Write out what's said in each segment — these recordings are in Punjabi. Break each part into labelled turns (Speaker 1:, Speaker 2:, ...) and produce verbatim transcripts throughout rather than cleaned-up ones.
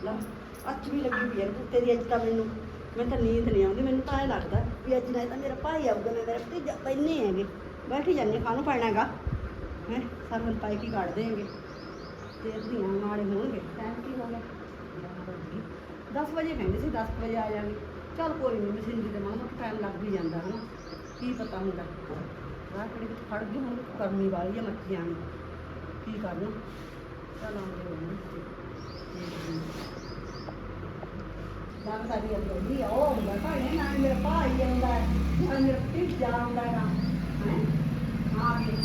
Speaker 1: ਲਾ ਅੱਛ ਵੀ ਲੱਗੀ ਪਈ ਹੈ ਤੇਰੀ ਅੱਜ ਤਾਂ ਮੈਨੂੰ ਮੈਨੂੰ ਤਾਂ ਨੀਂਦ ਨਹੀਂ ਆਉਂਦੀ ਮੈਨੂੰ ਤਾਂ ਐਂ ਲੱਗਦਾ ਵੀ ਅੱਜ ਨਹੀਂ ਤਾਂ ਮੇਰਾ ਭਾਈ ਆਊਗਾ ਮੈਂ ਮੇਰਾ ਭਤੀਜਾ ਪੈਨੇ ਹੈਗੇ ਬੈਠੀ ਜਾਂਦੇ ਕਾਹਨੂੰ ਪੈਣਾ ਹੈਗਾ ਹੈ ਸਰਵਨ ਪਾਈ ਕੀ ਕੱਢ ਦੇਂਗੇ ਤੇ ਧੀਆਂ ਮਾੜੇ ਹੋਣਗੇ ਟਾਈਮ ਕੀ ਹੋ ਗਿਆ ਦਸ ਵਜੇ ਕਹਿੰਦੇ ਸੀ ਦਸ ਵਜੇ ਆ ਜਾਣਗੇ ਚੱਲ ਕੋਈ ਨਹੀਂ ਮਸ਼ੀਨਰੀ ਦੇ ਮਾੜਾ ਮੋਟਾ ਟਾਈਮ ਲੱਗ ਵੀ ਜਾਂਦਾ ਹੈ ਨਾ ਕੀ ਪਤਾ ਹੁੰਦਾ ਰਾਹ ਕਿਹੜੇ ਵਿੱਚ ਫੜ ਗਈ ਹੁਣ ਗਰਮੀ ਵਾਲੀ ਆ ਮੱਛੀਆਂ ਨੂੰ ਕੀ ਕਰਨਾ ਚੱਲ ਆਉਂਦੇ ਹੋਣਗੇ ਲੱਗਦਾ ਵੀ ਅੱਗੇ ਉਹ ਹੁੰਦਾ ਭਾਈ ਨਾ ਮੇਰਾ ਭਾਈ ਆਉਂਦਾ ਨਾ ਮੇਰਾ ਭਤੀਜਾ ਆਉਂਦਾ ਹੈ ਆ ਗਏ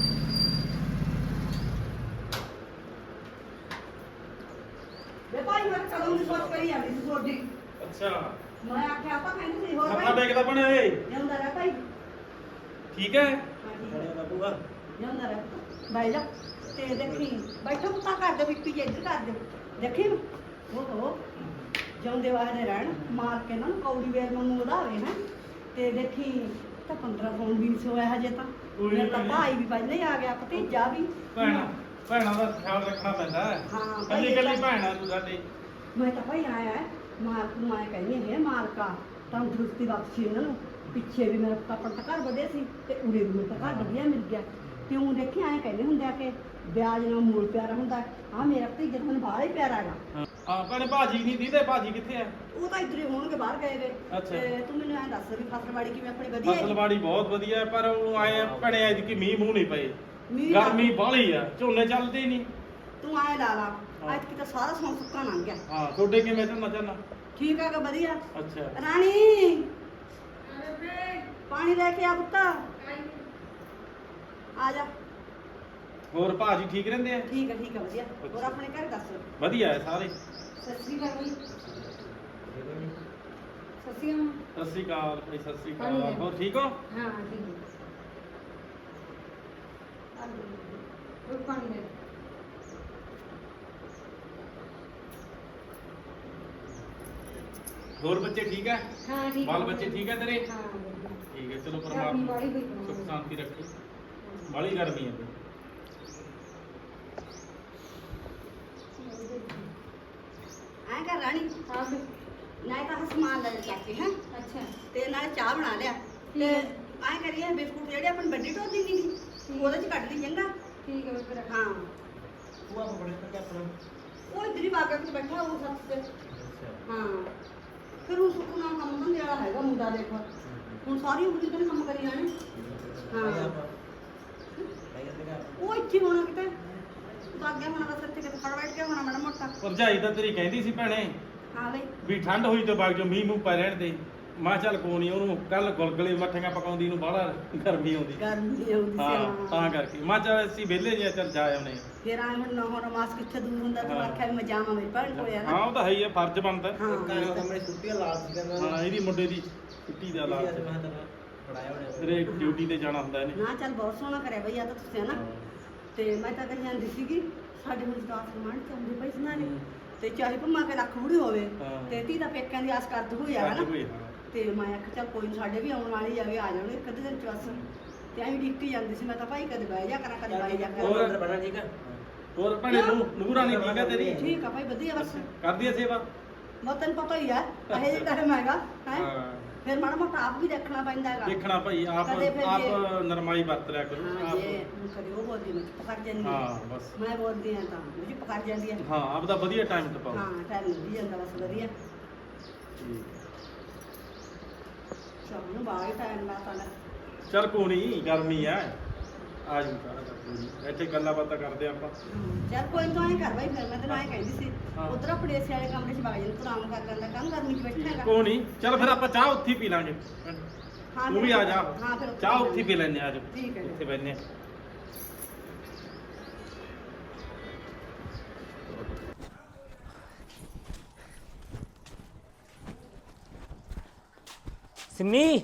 Speaker 1: ਵੇ ਭਾਈ ਮੈਂ ਕਦੋਂ ਦੀ ਸੋਚ ਕਰੀ ਜਾਂਦੀ ਸੀ ਤੁਹਾਡੀ
Speaker 2: ਅੱਛਾ
Speaker 1: ਮੈਂ ਆਖਿਆ ਆਪਾਂ ਕਹਿੰਦੇ ਸੀ ਹੋਰ
Speaker 2: ਮੱਥਾ
Speaker 1: ਭਾਈ
Speaker 2: ਟੇਕਦਾ ਬਣੇ ਏ
Speaker 1: ਜਾਂਦਾ ਰਹਿ ਭਾਈ
Speaker 2: ਠੀਕ ਹੈ
Speaker 1: ਖੜਿਆ ਬਾਬੂਗਾ ਜਾਂਦਾ ਰਹਿ ਬਾਈ ਜਾ ਤੇ ਦੇਖੀ ਬੈਠੋ ਪੁੱਤਾ ਕਰ ਦੇ ਵਿੱਪੀ ਜੇ ਇੱਧਰ ਕਰ ਦੇ ਦੇਖੀ ਓਹੋ ਜਾਂਦੇ ਵਾਹਦੇ ਰਹਿਣ ਮਾਰ ਕੇ ਨਾ ਕੌੜੀ ਵੇਰ ਨੂੰ ਵਧਾਵੇ ਹੈ ਤੇ ਦੇਖੀ ਤਾਂ ਪੰਦਰਾਂ ਸੌ ਵੀਹ ਸੌ ਹੈ ਹਜੇ ਤਾਂ ਮੇਰਾ ਤਾਂ ਭਾਈ ਵੀ ਪਹਿਲਾਂ ਹੀ ਆ ਗਿਆ ਭਤੀਜਾ ਵੀ
Speaker 2: ਭੈਣਾ ਭੈਣਾਂ ਦਾ ਖਿਆਲ ਰੱਖਣਾ ਪੈਂਦਾ ਹੈ
Speaker 1: ਹਾਂ
Speaker 2: ਕੱਲੀ ਕੱਲੀ ਭੈਣ ਆ ਤੂੰ ਸਾਡੇ
Speaker 1: ਮੈਂ ਤਾਂ ਭਾਈ ਆਇਆ ਹੈ ਮਾਲਕ ਨੂੰ ਆਇਆ ਕਹਿੰਦੀ ਹੈ ਮਾਲਕਾ ਤੰਦਰੁਸਤੀ ਬਖਸ਼ੀ ਇਹਨਾਂ ਨੂੰ ਪਿੱਛੇ ਵੀ ਮੇਰਾ ਆਪਣਾ ਤਾਂ ਘਰ ਵਧਿਆ ਸੀ ਤੇ ਉਰੇ ਵੀ ਮੇਰਾ ਘਰ ਵਧੀਆ ਮਿਲ ਗਿਆ ਕਿਉਂ ਦੇਖੀ ਆਏ ਕਹਿੰਦੇ ਹੁੰਦੇ ਆ ਕਿ ਵਿਆਜ ਨਾਲ ਮੂਲ ਪਿਆਰਾ ਹੁੰਦਾ ਆ ਮੇਰਾ ਭਤੀਜਾ ਤਾਂ ਮੈਨੂੰ ਬਾਹਲਾ ਹੀ ਪਿਆਰਾ ਹੈਗਾ
Speaker 2: ਹਾਂ ਭੈਣੇ ਭਾਜੀ ਨਹੀਂ ਦੀਦੇ ਭਾਜੀ ਕਿੱਥੇ ਆ
Speaker 1: ਉਹ ਤਾਂ ਇੱਧਰ ਹੀ ਹੋਣਗੇ ਬਾਹਰ ਗਏ ਵੇ
Speaker 2: ਅੱਛਾ।
Speaker 1: ਤੇ ਤੂੰ ਮੈਨੂੰ ਐਂ ਦੱਸ ਵੀ ਫਸਲਵਾੜੀ ਕਿਵੇਂ ਆਪਣੀ ਵਧੀਆ ਹੈ
Speaker 2: ਫਸਲਵਾੜੀ ਬਹੁਤ ਵਧੀਆ ਹੈ, ਪਰ ਉਹ ਆਏ ਭੈਣੇ ਅੱਜ ਕੀ ਮੀਂਹ ਮੂੰਹ ਨਹੀਂ ਪਏ
Speaker 1: ਮੀਂਹ
Speaker 2: ਗਰਮੀ ਬਾਹਲੀ ਆ ਝੋਨੇ ਚੱਲਦੇ ਹੀ ਨਹੀਂ
Speaker 1: ਤੂੰ ਆਏ ਲਾ ਲਾ ਅੱਜ ਕਿ ਤਾਂ ਸਾਰਾ ਸੌਂ ਸੁੱਕਾ ਲੰਘ ਗਿਆ
Speaker 2: ਹਾਂ ਤੁਹਾਡੇ ਕਿਵੇਂ ਝੋਨਾ ਝੋਨਾ
Speaker 1: ਠੀਕ ਹੈਗਾ ਵਧੀਆ
Speaker 2: ਅੱਛਾ
Speaker 1: ਰਾਣੀ ਪਾਣੀ ਲੈ ਕੇ ਆ ਪੁੱਤ ਆ ਜਾ
Speaker 2: ਹੋਰ ਭਾਜੀ ਠੀਕ ਰਹਿੰਦੇ ਆ
Speaker 1: ਠੀਕ ਹੈ ਠੀਕ ਹੈ ਵਧੀਆ ਹੋਰ ਆਪਣੇ ਘਰ ਦੱਸ
Speaker 2: ਵਧੀਆ ਹੈ ਸਾਰੇ
Speaker 1: ਸਤਿ ਸ੍ਰੀ ਅਕਾਲ ਜੀ ਸਤਿ ਸ੍ਰੀ ਅਕਾਲ
Speaker 2: ਸਤਿ ਸ਼੍ਰੀ ਅਕਾਲ ਭਾਈ ਸਤਿ ਸ਼੍ਰੀ
Speaker 1: ਹਾਂਜੀ।
Speaker 2: ਅਕਾਲ ਹੋਰ ਠੀਕ ਹੋ
Speaker 1: ਹਾਂ ਠੀਕ ਹੈ ਉਹ ਪਾਣੀ ਲੈ
Speaker 2: ਹੋਰ ਬੱਚੇ ਠੀਕ ਹੈ
Speaker 1: ਹਾਂ ਠੀਕ
Speaker 2: ਬਾਲ ਬੱਚੇ ਠੀਕ ਹੈ ਤੇਰੇ
Speaker 1: ਹਾਂ
Speaker 2: ਠੀਕ ਹੈ ਚਲੋ
Speaker 1: ਗਰਮੀ
Speaker 2: ਪਰਮਾਤਮਾ
Speaker 1: ਵਾਲੀ ਹੋਈ
Speaker 2: ਸੁਖ ਸ਼ਾਂਤੀ ਰੱਖੇ ਬਾਲੀ ਗਰਮੀ ਹੈ
Speaker 1: ਐਂ ਕਰ ਰਾਣੀ ਹਾਂ ਨਾ ਤਾਂ ਸਮਾਨ ਲੈ ਚੱਕ ਕੇ ਹੈ ਅੱਛਾ ਤੇ ਨਾਲ ਚਾਹ ਬਣਾ ਲਿਆ ਤੇ ਐਂ ਕਰੀਏ ਬਿਸਕੁਟ ਜਿਹੜੇ ਆਪਣੀ ਵੱਡੀ ਢੋਲੀ ਦੀ ਨਹੀਂ ਉਹਦੇ ਚ ਕੱਢ ਲਈ ਚੰਗਾ ਠੀਕ ਹੈ ਫਿਰ ਹਾਂ
Speaker 2: ਉਹ ਆਪ ਬੜੇ ਤੱਕ ਆਪਣਾ
Speaker 1: ਉਹ ਇਧਰ ਹੀ ਬਾਗਾ ਤੇ ਬੈਠਾ ਉਹ ਸੱਤ ਤੇ ਹਾਂ ਫਿਰ ਉਹ ਸੁੱਕੂ ਨਾਲ ਕੰਮ ਧੰਦੇ ਵਾਲਾ ਹੈਗਾ ਮੁੰਡਾ ਦੇਖੋ ਹੁਣ ਸਾਰੀ ਉਮਰ ਹੀ ਕੰਮ ਕਰੀ ਜਾਣੇ ਹਾਂ ਉਹ ਇੱਥੇ ਹੋਣਾ ਕਿਤੇ ਬਾਗਿਆ ਹੋਣਾ ਬਸ ਇੱਥੇ ਕਿਤੇ ਫੜ ਬੈਠ ਕੇ ਹੋਣਾ ਮਾੜਾ ਮੋਟਾ
Speaker 2: ਭਰਜਾਈ ਤਾਂ ਤੇਰੀ ਕਹਿੰਦੀ ਸੀ ਭੈਣੇ
Speaker 1: ਹਾਂ ਬਈ
Speaker 2: ਵੀ ਠੰਡ ਹੋਈ ਤੋਂ ਬਾਅਦ ਜੋ ਮੀਂਹ ਮੂੰਹ ਪੈ ਰਹਿਣ ਦੇ ਮੈਂ ਚੱਲ ਕੋਈ ਨਹੀਂ ਉਹਨੂੰ ਕੱਲ ਗੁਲਗਲੇ ਮੱਠੀਆਂ ਪਕਾਉਂਦੀ ਨੂੰ ਬਾਹਲਾ ਗਰਮੀ ਆਉਂਦੀ
Speaker 1: ਗਰਮੀ ਆਉਂਦੀ
Speaker 2: ਹਾਂ
Speaker 1: ਸੀ
Speaker 2: ਤਾਂ ਕਰਕੇ ਮੈਂ ਚੱਲ ਅਸੀਂ ਵਿਹਲੇ ਜੇ ਚੱਲ ਜਾ ਆਉਨੇ
Speaker 1: ਫਿਰ ਆ ਹੁਣ ਨਾ ਹੁਣ ਮਾਸ ਕਿੱਥੇ ਦੂਰ ਹੁੰਦਾ ਤੇ ਆਖਿਆ ਵੀ ਮੈਂ ਜਾਵਾਂ ਮੇਰੀ ਭੈਣ ਕੋਲ ਆ
Speaker 2: ਹਾਂ
Speaker 1: ਨਾ
Speaker 2: ਉਹ ਤਾਂ ਹੈ ਹੀ ਹੈ ਫਰਜ਼ ਬਣਦਾ
Speaker 1: ਹਾਂ
Speaker 3: ਛੁੱਟੀਆਂ ਲਾ ਸੀ ਕਰਨਾ
Speaker 2: ਹਾਂ ਇਹਦੀ ਮੁੰਡੇ ਦੀ ਛੁੱਟੀ ਦਾ ਲਾ
Speaker 3: ਪੜਾਇਆ ਹੋਣਾ
Speaker 2: ਤੇਰੇ ਡਿਊਟੀ ਤੇ ਜਾਣਾ ਹੁੰਦਾ ਇਹਨੇ
Speaker 1: ਨਾ ਚੱਲ ਬਹੁਤ ਸੋਹਣਾ ਕਰਿਆ ਬਈ ਆ ਤਾਂ ਤੁਸੀਂ ਹਨਾ ਤੇ ਮੈਂ ਤਾਂ ਕਹੀ ਜਾਂਦੀ ਸੀਗੀ ਸਾਡੇ ਹੁਣ ਸਟਾਫ ਸਮਾਨ ਚਾਹੁੰਦੇ ਪਈ ਸੀ ਨਾਲੇ ਤੇ ਚਾਹੇ ਭੰਮਾ ਕੇ ਲੱਖ ਬੁੜੀ ਹੋਵੇ
Speaker 2: ਹਾਂ।
Speaker 1: ਤੇ ਧੀ ਦਾ ਪੇਕਿਆਂ ਦੀ ਆਸ ਕਰਦ ਹੋਈ ਆ
Speaker 2: ਅੱਜ
Speaker 1: ਹਨਾ
Speaker 2: ਕੋਈ ਹਾਂ
Speaker 1: ਤੇ ਮੈਂ ਆਖਿਆ ਚੱਲ ਕੋਈ ਨੀ ਸਾਡੇ ਵੀ ਆਉਣ ਵਾਲੀ ਜਾਵੇ ਆ ਜਾਣਗੇ ਇੱਕ ਅੱਧੇ ਦਿਨ ਚ ਬਸ ਤੇ ਐਂ ਡਿੱਕੀ ਜਾਂਦੀ ਸੀ ਮੈਂ ਤਾਂ ਭਾਈ ਕਦੇ ਬਹਿ ਜਾ ਕਰਾਂ ਕਦੇ ਬਾਈ ਜਾ
Speaker 2: ਹੋਰ?
Speaker 1: ਕਰਾਂ
Speaker 3: ਅੰਦਰ ਬਣਾ ਠੀਕ ਆ
Speaker 2: ਹੋਰ ਭੈਣੇ ਨੂੰ ਨੂਰਾਨੀ ਠੀਕ ਹੈ ਤੇਰੀ
Speaker 1: ਠੀਕ ਆ ਭਾਈ ਵਧੀਆ ਬਸ
Speaker 2: ਕਰਦੀ ਹੈ ਸੇਵਾ
Speaker 1: ਬਹੁਤ ਤੈਨੂੰ ਪਤਾ ਹੀ ਆ ਇਹ ਜਿਹੜਾ ਟਾਈਮ ਹੈਗਾ ਹੈ
Speaker 2: ਹਾਂ
Speaker 1: ਫਿਰ ਮਾੜਾ ਮੋਟਾ ਆਪ ਵੀ ਦੇਖਣਾ ਪੈਂਦਾ ਹੈਗਾ
Speaker 2: ਦੇਖਣਾ ਭਾਈ ਆਪ
Speaker 1: ਕਦੇ ਫਿਰ
Speaker 2: ਆਪ
Speaker 1: ਜੇ-
Speaker 2: ਨਰਮਾਈ ਵਰਤ ਲਿਆ ਕਰੋ
Speaker 1: ਹਾਂ
Speaker 2: ਆਪ
Speaker 1: ਜੇ ਹੁਣ ਕਦੇ ਉਹ ਬੋਲਦੀ ਮੈਂ ਚੁੱਪ ਕਰ ਜਾਂਦੀ ਹਾਂ।
Speaker 2: ਹਾਂ ਬਸ
Speaker 1: ਮੈਂ ਬੋਲਦੀ ਹਾਂ ਤਾਂ ਉਹ ਚੁੱਪ ਕਰ ਜਾਂਦੀ ਹੈ
Speaker 2: ਹਾਂ ਆਪ ਦਾ ਵਧੀਆ ਟਾਈਮ ਟਪਾਓ
Speaker 1: ਹਾਂ ਟਾਈਮ ਲੱਗੀ ਜਾਂਦਾ ਬਸ ਵਧੀਆ ਸ਼ਾਮ ਨੂੰ ਬਾਹਰ ਟਾਈਮ ਲਾਤਾ ਲੈ
Speaker 2: ਚਲ ਕੋਈ ਨਹੀਂ ਗਰਮੀ ਆ ਆ ਜੂ ਸਾਰਾ ਕੋਈ ਨੀ। ਇੱਥੇ ਗੱਲਾਂ ਬਾਤਾਂ ਕਰਦੇ ਆਪਾਂ
Speaker 1: ਚੱਲ ਕੋਈ ਨੀ ਤੂੰ ਐਂ ਕਰ ਬਾਈ ਫਿਰ ਮੈਂ ਤੈਨੂੰ ਐਂ ਕਹਿੰਦੀ ਸੀ
Speaker 2: ਹਾਂ।
Speaker 1: ਉਧਰ ਆਪਣੇ ਏਸੀ ਵਾਲੇ ਕਮਰੇ 'ਚ ਵਗ ਜਾ ਤੂੰ ਆਰਾਮ ਕਰ ਲੈਂਦਾ ਕੰਮ ਗਰਮੀ 'ਚ ਬੈਠਣਾ ਹੈਗਾ
Speaker 2: ਕੋਈ ਨਹੀਂ ਚਲ ਫਿਰ ਆਪਾਂ ਚਾਹ ਉੱਥੇ ਹੀ ਪੀ ਲਾਂਗੇ
Speaker 1: ਹਾਂ
Speaker 2: ਤੂੰ
Speaker 1: ਫਿਰ
Speaker 2: ਵੀ ਆ ਜਾ
Speaker 1: ਹਾਂ ਫਿਰ ਉੱਥੇ
Speaker 2: ਚਾਹ ਉੱਥੇ ਹੀ ਪੀ ਲੈਣੇ ਆ ਜਾ
Speaker 1: ਠੀਕ ਹੈ ਜੀ।
Speaker 2: ਇੱਥੇ ਬੈਠਨੇ
Speaker 4: ਸਿੰਮੀ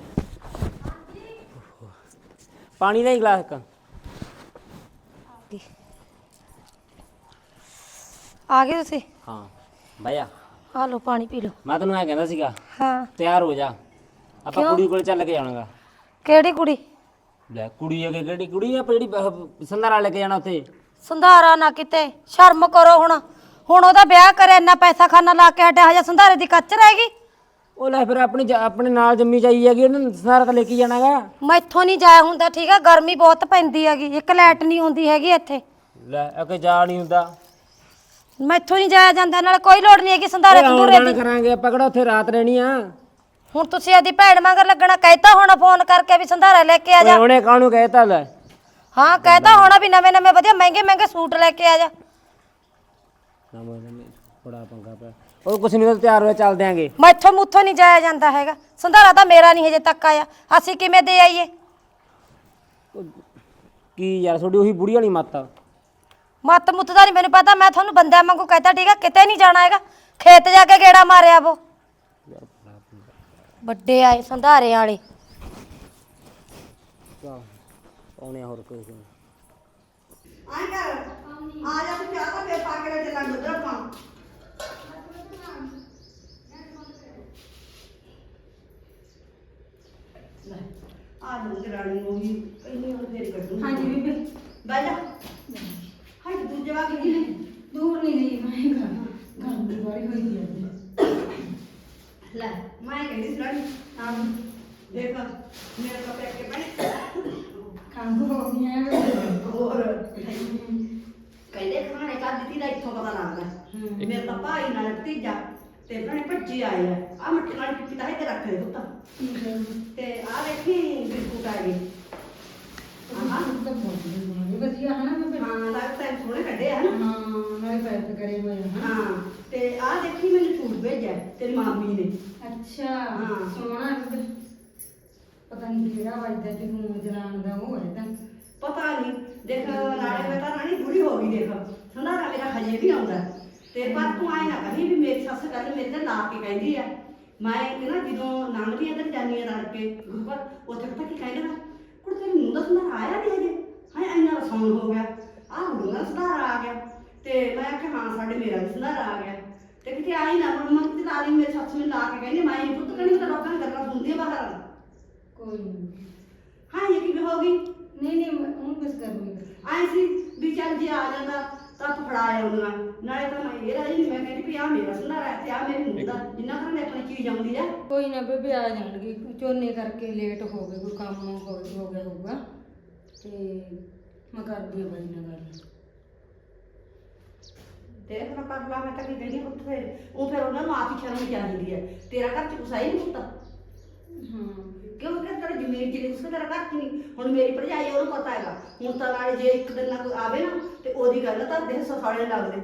Speaker 4: ਪਾਣੀ ਦਾ ਹੀ ਗਲਾਸ ਇੱਕ
Speaker 5: ਆ ਗਏ ਤੁਸੀਂ
Speaker 4: ਹਾਂ ਬਾਇਆ
Speaker 5: ਆ ਲਓ ਪਾਣੀ ਪੀ ਲਓ
Speaker 4: ਮੈਂ ਤੈਨੂੰ ਐ ਕਹਿੰਦਾ ਸੀਗਾ
Speaker 5: ਹਾਂ
Speaker 4: ਤਿਆਰ ਹੋ ਜਾ ਆਪਾਂ
Speaker 5: ਕਿਉਂ?
Speaker 4: ਕੁੜੀ ਕੋਲ ਚੱਲ ਕੇ ਜਾਣਾਗਾ
Speaker 5: ਕਿਹੜੀ ਕੁੜੀ
Speaker 4: ਲੈ ਕੁੜੀ ਅਗੇ ਕਿਹੜੀ ਕੁੜੀ ਆ ਜਿਹੜੀ ਸੰਧਾਰਾ ਲੈ ਕੇ ਜਾਣਾ ਉੱਥੇ
Speaker 5: ਸੰਧਾਰਾ ਨਾ ਕਿਤੇ ਸ਼ਰਮ ਕਰੋ ਹੁਣ ਹੁਣ ਉਹਦਾ ਵਿਆਹ ਕਰਿਆ ਇੰਨਾ ਪੈਸਾ ਖਾਨਾ ਲਾ ਕੇ ਹਟਿਆ ਹਜੇ ਸੰਧਾਰੇ ਦੀ ਕੱਚ ਰਹਿ ਗਈ।
Speaker 4: ਉਹ ਲੈ ਫਿਰ ਆਪਣੀ ਜ- ਆਪਣੇ ਨਾਲ ਜੰਮੀ ਚਾਈ ਹੈਗੀ ਉਹਨੂੰ ਸਾਰਾ ਤਾਂ ਲੈ ਕੇ ਜਾਣਾਗਾ।
Speaker 5: ਮੈਥੋਂ ਨਹੀਂ ਜਾਇਆ ਹੁੰਦਾ ਠੀਕ ਆ, ਗਰਮੀ ਬਹੁਤ ਪੈਂਦੀ ਹੈਗੀ, ਇੱਕ ਲਾਈਟ ਨਹੀਂ ਹੁੰਦੀ ਹੈਗੀ ਇੱਥੇ।
Speaker 4: ਲੈ ਅਕੇ ਜਾ ਨਹੀਂ ਹੁੰਦਾ।
Speaker 5: ਮੈਥੋਂ ਨਹੀਂ ਜਾਇਆ ਜਾਂਦਾ, ਨਾਲ ਕੋਈ ਲੋੜ ਨਹੀਂ ਹੈਗੀ ਸੰਧਾਰੇ ਸੰਧੂਰੇ
Speaker 4: ਜਾਣ
Speaker 5: ਦੀ।
Speaker 4: ਕਰਾਂਗੇ ਆਪਾਂ ਕਿਹੜਾ ਉੱਥੇ ਰਾਤ ਰਹਿਣੀ ਆ।
Speaker 5: ਹੁਣ ਤੁਸੀਂ ਆਦੀ ਭੈਣ ਮਗਰ ਲੱਗਣਾ, ਕਹਿਤਾ ਹੋਣਾ ਫੋਨ ਕਰਕੇ ਵੀ ਸੰਧਾਰਾ ਲੈ ਕੇ ਆ ਜਾ।
Speaker 4: ਉਹਨੇ ਕਾਹਨੂੰ ਕਹਿਤਾ ਲੈ।
Speaker 5: ਹਾਂ ਕਹਿਤਾ ਹੋਣਾ ਵੀ ਨਵੇਂ ਨਵੇਂ ਵਧੀਆ ਮਹਿੰਗੇ ਮਹਿੰਗੇ ਸੂਟ ਲੈ ਕੇ ਆ ਜਾ।
Speaker 4: ਬੜਾ ਪੰਗਾ ਪਿਆ। ਉਹ ਕੁਛ ਨਹੀਂ, ਤਿਆਰ ਹੋਇਆ ਚੱਲ ਦਿਆਂਗੇ।
Speaker 5: ਮੈਥੋਂ ਮੁੱਥੋਂ ਨਹੀਂ ਜਾਇਆ ਜਾਂਦਾ ਹੈਗਾ, ਸੰਧਾਰਾ ਤਾਂ ਮੇਰਾ ਨਹੀਂ ਹਜੇ ਤੱਕ ਆਇਆ, ਅਸੀਂ ਕਿਵੇਂ ਦੇ ਆਈਏ?
Speaker 4: ਕੀ ਯਾਰ ਤੁਹਾਡੀ ਉਹੀ ਬੁੜੀ ਵਾਲੀ ਮੱਤ ਆ।
Speaker 5: ਮੱਤ ਮੁੱਤ ਦਾ ਨਹੀਂ ਮੈਨੂੰ ਪਤਾ, ਮੈਂ ਤੁਹਾਨੂੰ ਬੰਦਿਆਂ ਵਾਂਗੂ ਕਹਿਤਾ ਠੀਕ ਆ, ਕਿਤੇ ਨਹੀਂ ਜਾਣਾ ਹੈਗਾ, ਖੇਤ ਜਾ ਕੇ ਗੇੜਾ ਮਾਰਿਆ ਵੋ। ਵੱਡੇ ਆਏ ਸੰਧਾਰੇ ਵਾਲੇ।
Speaker 4: ਆਉਣੇ ਹੋਰ ਕੋਈ ਨਹੀਂ।
Speaker 1: ਆਏ ਕਰ ਆ ਜਾ ਤੂੰ ਚਾਹ ਤਾਂ ਫੇਰ ਪਾ ਕੇ ਲੈ ਚੱਲਾਂਗੇ ਉਧਰ ਆਪਾਂ। ਲੈ ਆ ਜਾ ਰਾਣੀ ਨੂੰ ਵੀ ਇੰਨੀ ਹੁਣ ਫੇਰ ਕੱਢੂ।
Speaker 6: ਹਾਂਜੀ ਬੀਬੀ
Speaker 1: ਬਹਿ ਜਾ। ਹਾਏ ਦੂਜੇ ਵਾ ਕਿ ਨਹੀਂ
Speaker 6: ਦੂਰ ਨਹੀਂ ਗਈ ਮੈਂ ਘਰ ਘਰ ਦੀ ਬੜੀ ਹੋਈ ਦੀ ਅੱਜ।
Speaker 1: ਲੈ ਮੈਂ ਕਹਿੰਦੀ ਸੀ ਰਾਣੀ ਆ ਦੇਖ ਮੇਰੇ ਕੋਲ ਪੈਕ ਕੇ ਬਣੇ
Speaker 6: ਖੰਗ ਹੋ ਗਈ ਹੈ
Speaker 1: ਹੋਰ ਕਹਿੰਦੇ ਖਾਣੇ ਕਾ ਦਿੱਤੀ ਦਾ ਇੱਥੋਂ ਪਤਾ ਲੱਗਦਾ। ਮੇਰੇ ਤਾਂ ਭਾਈ ਨਾਲ ਭਤੀਜਾ ਤੇ ਭੈਣੇ ਭੱਜੇ ਆਏ ਆ ਆ ਮੱਠੀ ਵਾਲੀ ਪਿੱਪੀ ਤਾਂ ਇੱਥੇ ਰੱਖ ਦੇ ਪੁੱਤ ਤੇ ਆ ਦੇਖੀ ਬਿਸਕੁਟ ਆ ਗਏ। ਹਾਂ
Speaker 6: ਤਾਂ ਬਹੁਤ ਵਧੀਆ ਹੈ ਨਾ ਮੈਂ
Speaker 1: ਹਾਂ ਲੱਗ ਤਾਂ ਸੋਹਣੇ ਕੱਢੇ ਆ ਨਾ।
Speaker 6: ਹਾਂ ਨਾਲੇ ਪੈਕ ਕਰੇ ਹੋਏ ਆ।
Speaker 1: ਹਾਂ ਤੇ ਆ ਦੇਖੀ ਮੈਨੂੰ ਸੂਟ ਭੇਜਿਆ ਤੇਰੀ ਮਾਮੀ ਨੇ।
Speaker 6: ਅੱਛਾ
Speaker 1: ਹਾਂ।
Speaker 6: ਸੋਹਣਾ ਹੈ। ਪਤਾ ਨਹੀਂ ਕਿਹੜਾ ਵੱਜਦਾ ਜਨੂਨ ਜਲਾਨ ਦਾ ਉਹ ਹੈ ਤਾਂ
Speaker 1: ਪਤਾ ਨਹੀਂ ਦੇਖ ਨਾਲੇ ਮੈਂ ਤਾਂ ਰਾਣੀ ਬੁੜੀ ਹੋ ਗਈ ਦੇਖ ਸੰਧਾਰਾ ਮੇਰਾ ਹਜੇ ਵੀ ਆਉਂਦਾ ਤੇ ਪਰ ਤੂੰ ਆਏ ਨਾ ਕਹੀਂ ਵੀ ਮੇਰੀ ਸੱਸ ਗੱਲ ਮੇਰੇ ਤੇ ਲਾ ਕੇ ਕਹਿੰਦੀ ਆ। ਮੈਂ ਨਾ ਜਦੋਂ ਨਾਨਕੀ ਅੰਦਰ ਜਾਂਦੀ ਆ ਰਲ ਕੇ ਉੱਪਰ ਉੱਥੇ ਪਤਾ ਕੀ ਕਹਿੰਦੇ ਨਾ ਕੁੜ ਤੇਰੀ ਨੂੰਹ ਦਾ ਸੰਧਾਰਾ ਆਇਆ ਨਹੀਂ ਹਜੇ ਹਾਂ ਇੰਨਾ ਰਸੌਣ ਹੋ ਗਿਆ ਆਹ ਨੂੰਹ ਦਾ ਸੰਧਾਰਾ ਆ ਗਿਆ ਤੇ ਮੈਂ ਆਖਿਆ ਹਾਂ ਸਾਡੇ ਮੇਰਾ ਵੀ ਸੰਧਾਰਾ ਆ ਗਿਆ ਤੇ ਕਿਤੇ ਆਈ ਨਾ ਹੁਣ ਮੈਂ ਕਿਤੇ ਲਾ ਲਈ ਮੇਰੀ ਸੱਸ ਮੈਨੂੰ ਲਾ ਕੇ ਕਹਿੰਦੀ ਮੈਂ ਨਹੀਂ ਪੁੱਤ ਕਹਿੰਦੀ ਤਾਂ ਲੋਕਾਂ ਦੀਆਂ ਗੱਲਾਂ ਸੁਣਦੀ ਆ ਬਾਹਰ।
Speaker 6: ਕੋਈ ਨਹੀਂ
Speaker 1: ਹਾਂ ਇਹ ਕਿਵੇਂ ਹੋ ਗਈ
Speaker 6: ਨਹੀਂ ਨਹੀਂ ਉਹ ਬਸ ਕਰੂੰਗੀ।
Speaker 1: ਆਏ ਸੀ ਵੀ ਚੱਲ ਜੇ ਆ ਜਾਂਦਾ ਤਾਂ ਤੂੰ ਫੜਾ ਆਉਂਦਾ ਨਾਲੇ ਤਾਂ ਮੈਂ ਇਹ ਰਾਜੀ ਨਹੀਂ ਮੈਂ ਕਹਿੰਦੀ ਵੀ ਆ ਮੇਰਾ ਸੰਧਾਰਾ ਤੇ ਆ ਮੇਰੀ ਨੂੰਹ ਦਾ ਜਿੰਨਾ ਘਰਾਂ ਆਪਣੀ ਚੀਜ਼ ਆਉਂਦੀ ਆ।
Speaker 6: ਕੋਈ ਨਾ ਬੇਬੇ ਆ ਜਾਣਗੇ ਝੋਨੇ ਕਰਕੇ ਲੇਟ ਹੋ ਗਏ ਕੋਈ ਕੰਮ ਹੋ ਹੋ ਗਿਆ ਹੋਊਗਾ ਤੇ ਮੈਂ ਕਰਦੀ ਹਾਂ ਬਾਈ ਨਾਲ ਗੱਲ।
Speaker 1: ਦੇਖ ਨਾ ਕਰ ਲਾ ਮੈਂ ਤਾਂ ਕੀ ਕਹਿੰਦੀ ਉੱਥੇ ਉਹ ਫਿਰ ਉਹਨਾਂ ਨੂੰ ਆਪ ਹੀ ਸ਼ਰਮ ਚਾਹੀਦੀ ਹੈ ਤੇਰਾ ਘਰ ਚ ਗੁਸਾਈ ਨਹੀਂ ਹੁੰਦਾ।
Speaker 6: ਹਾਂ
Speaker 1: ਕਿਉਂ ਕਿ ਤੇਰਾ ਜ਼ਮੀਨ ਚ ਉਸ ਤੇਰਾ ਘਰ ਚ ਨਹੀਂ ਹੁਣ ਮੇਰੀ ਭਰਜਾਈ ਉਹਨੂੰ ਪਤਾ ਹੈਗਾ ਹੁਣ ਤਾਂ ਨਾਲੇ ਜੇ ਇੱਕ ਦਿਨ ਨਾ ਕੋਈ ਆਵੇ ਨਾ ਤੇ ਉਹਦੀ ਗੱਲ ਤਾਂ ਦੇ ਸਫਾਲੇ ਲੱਗਦੇ।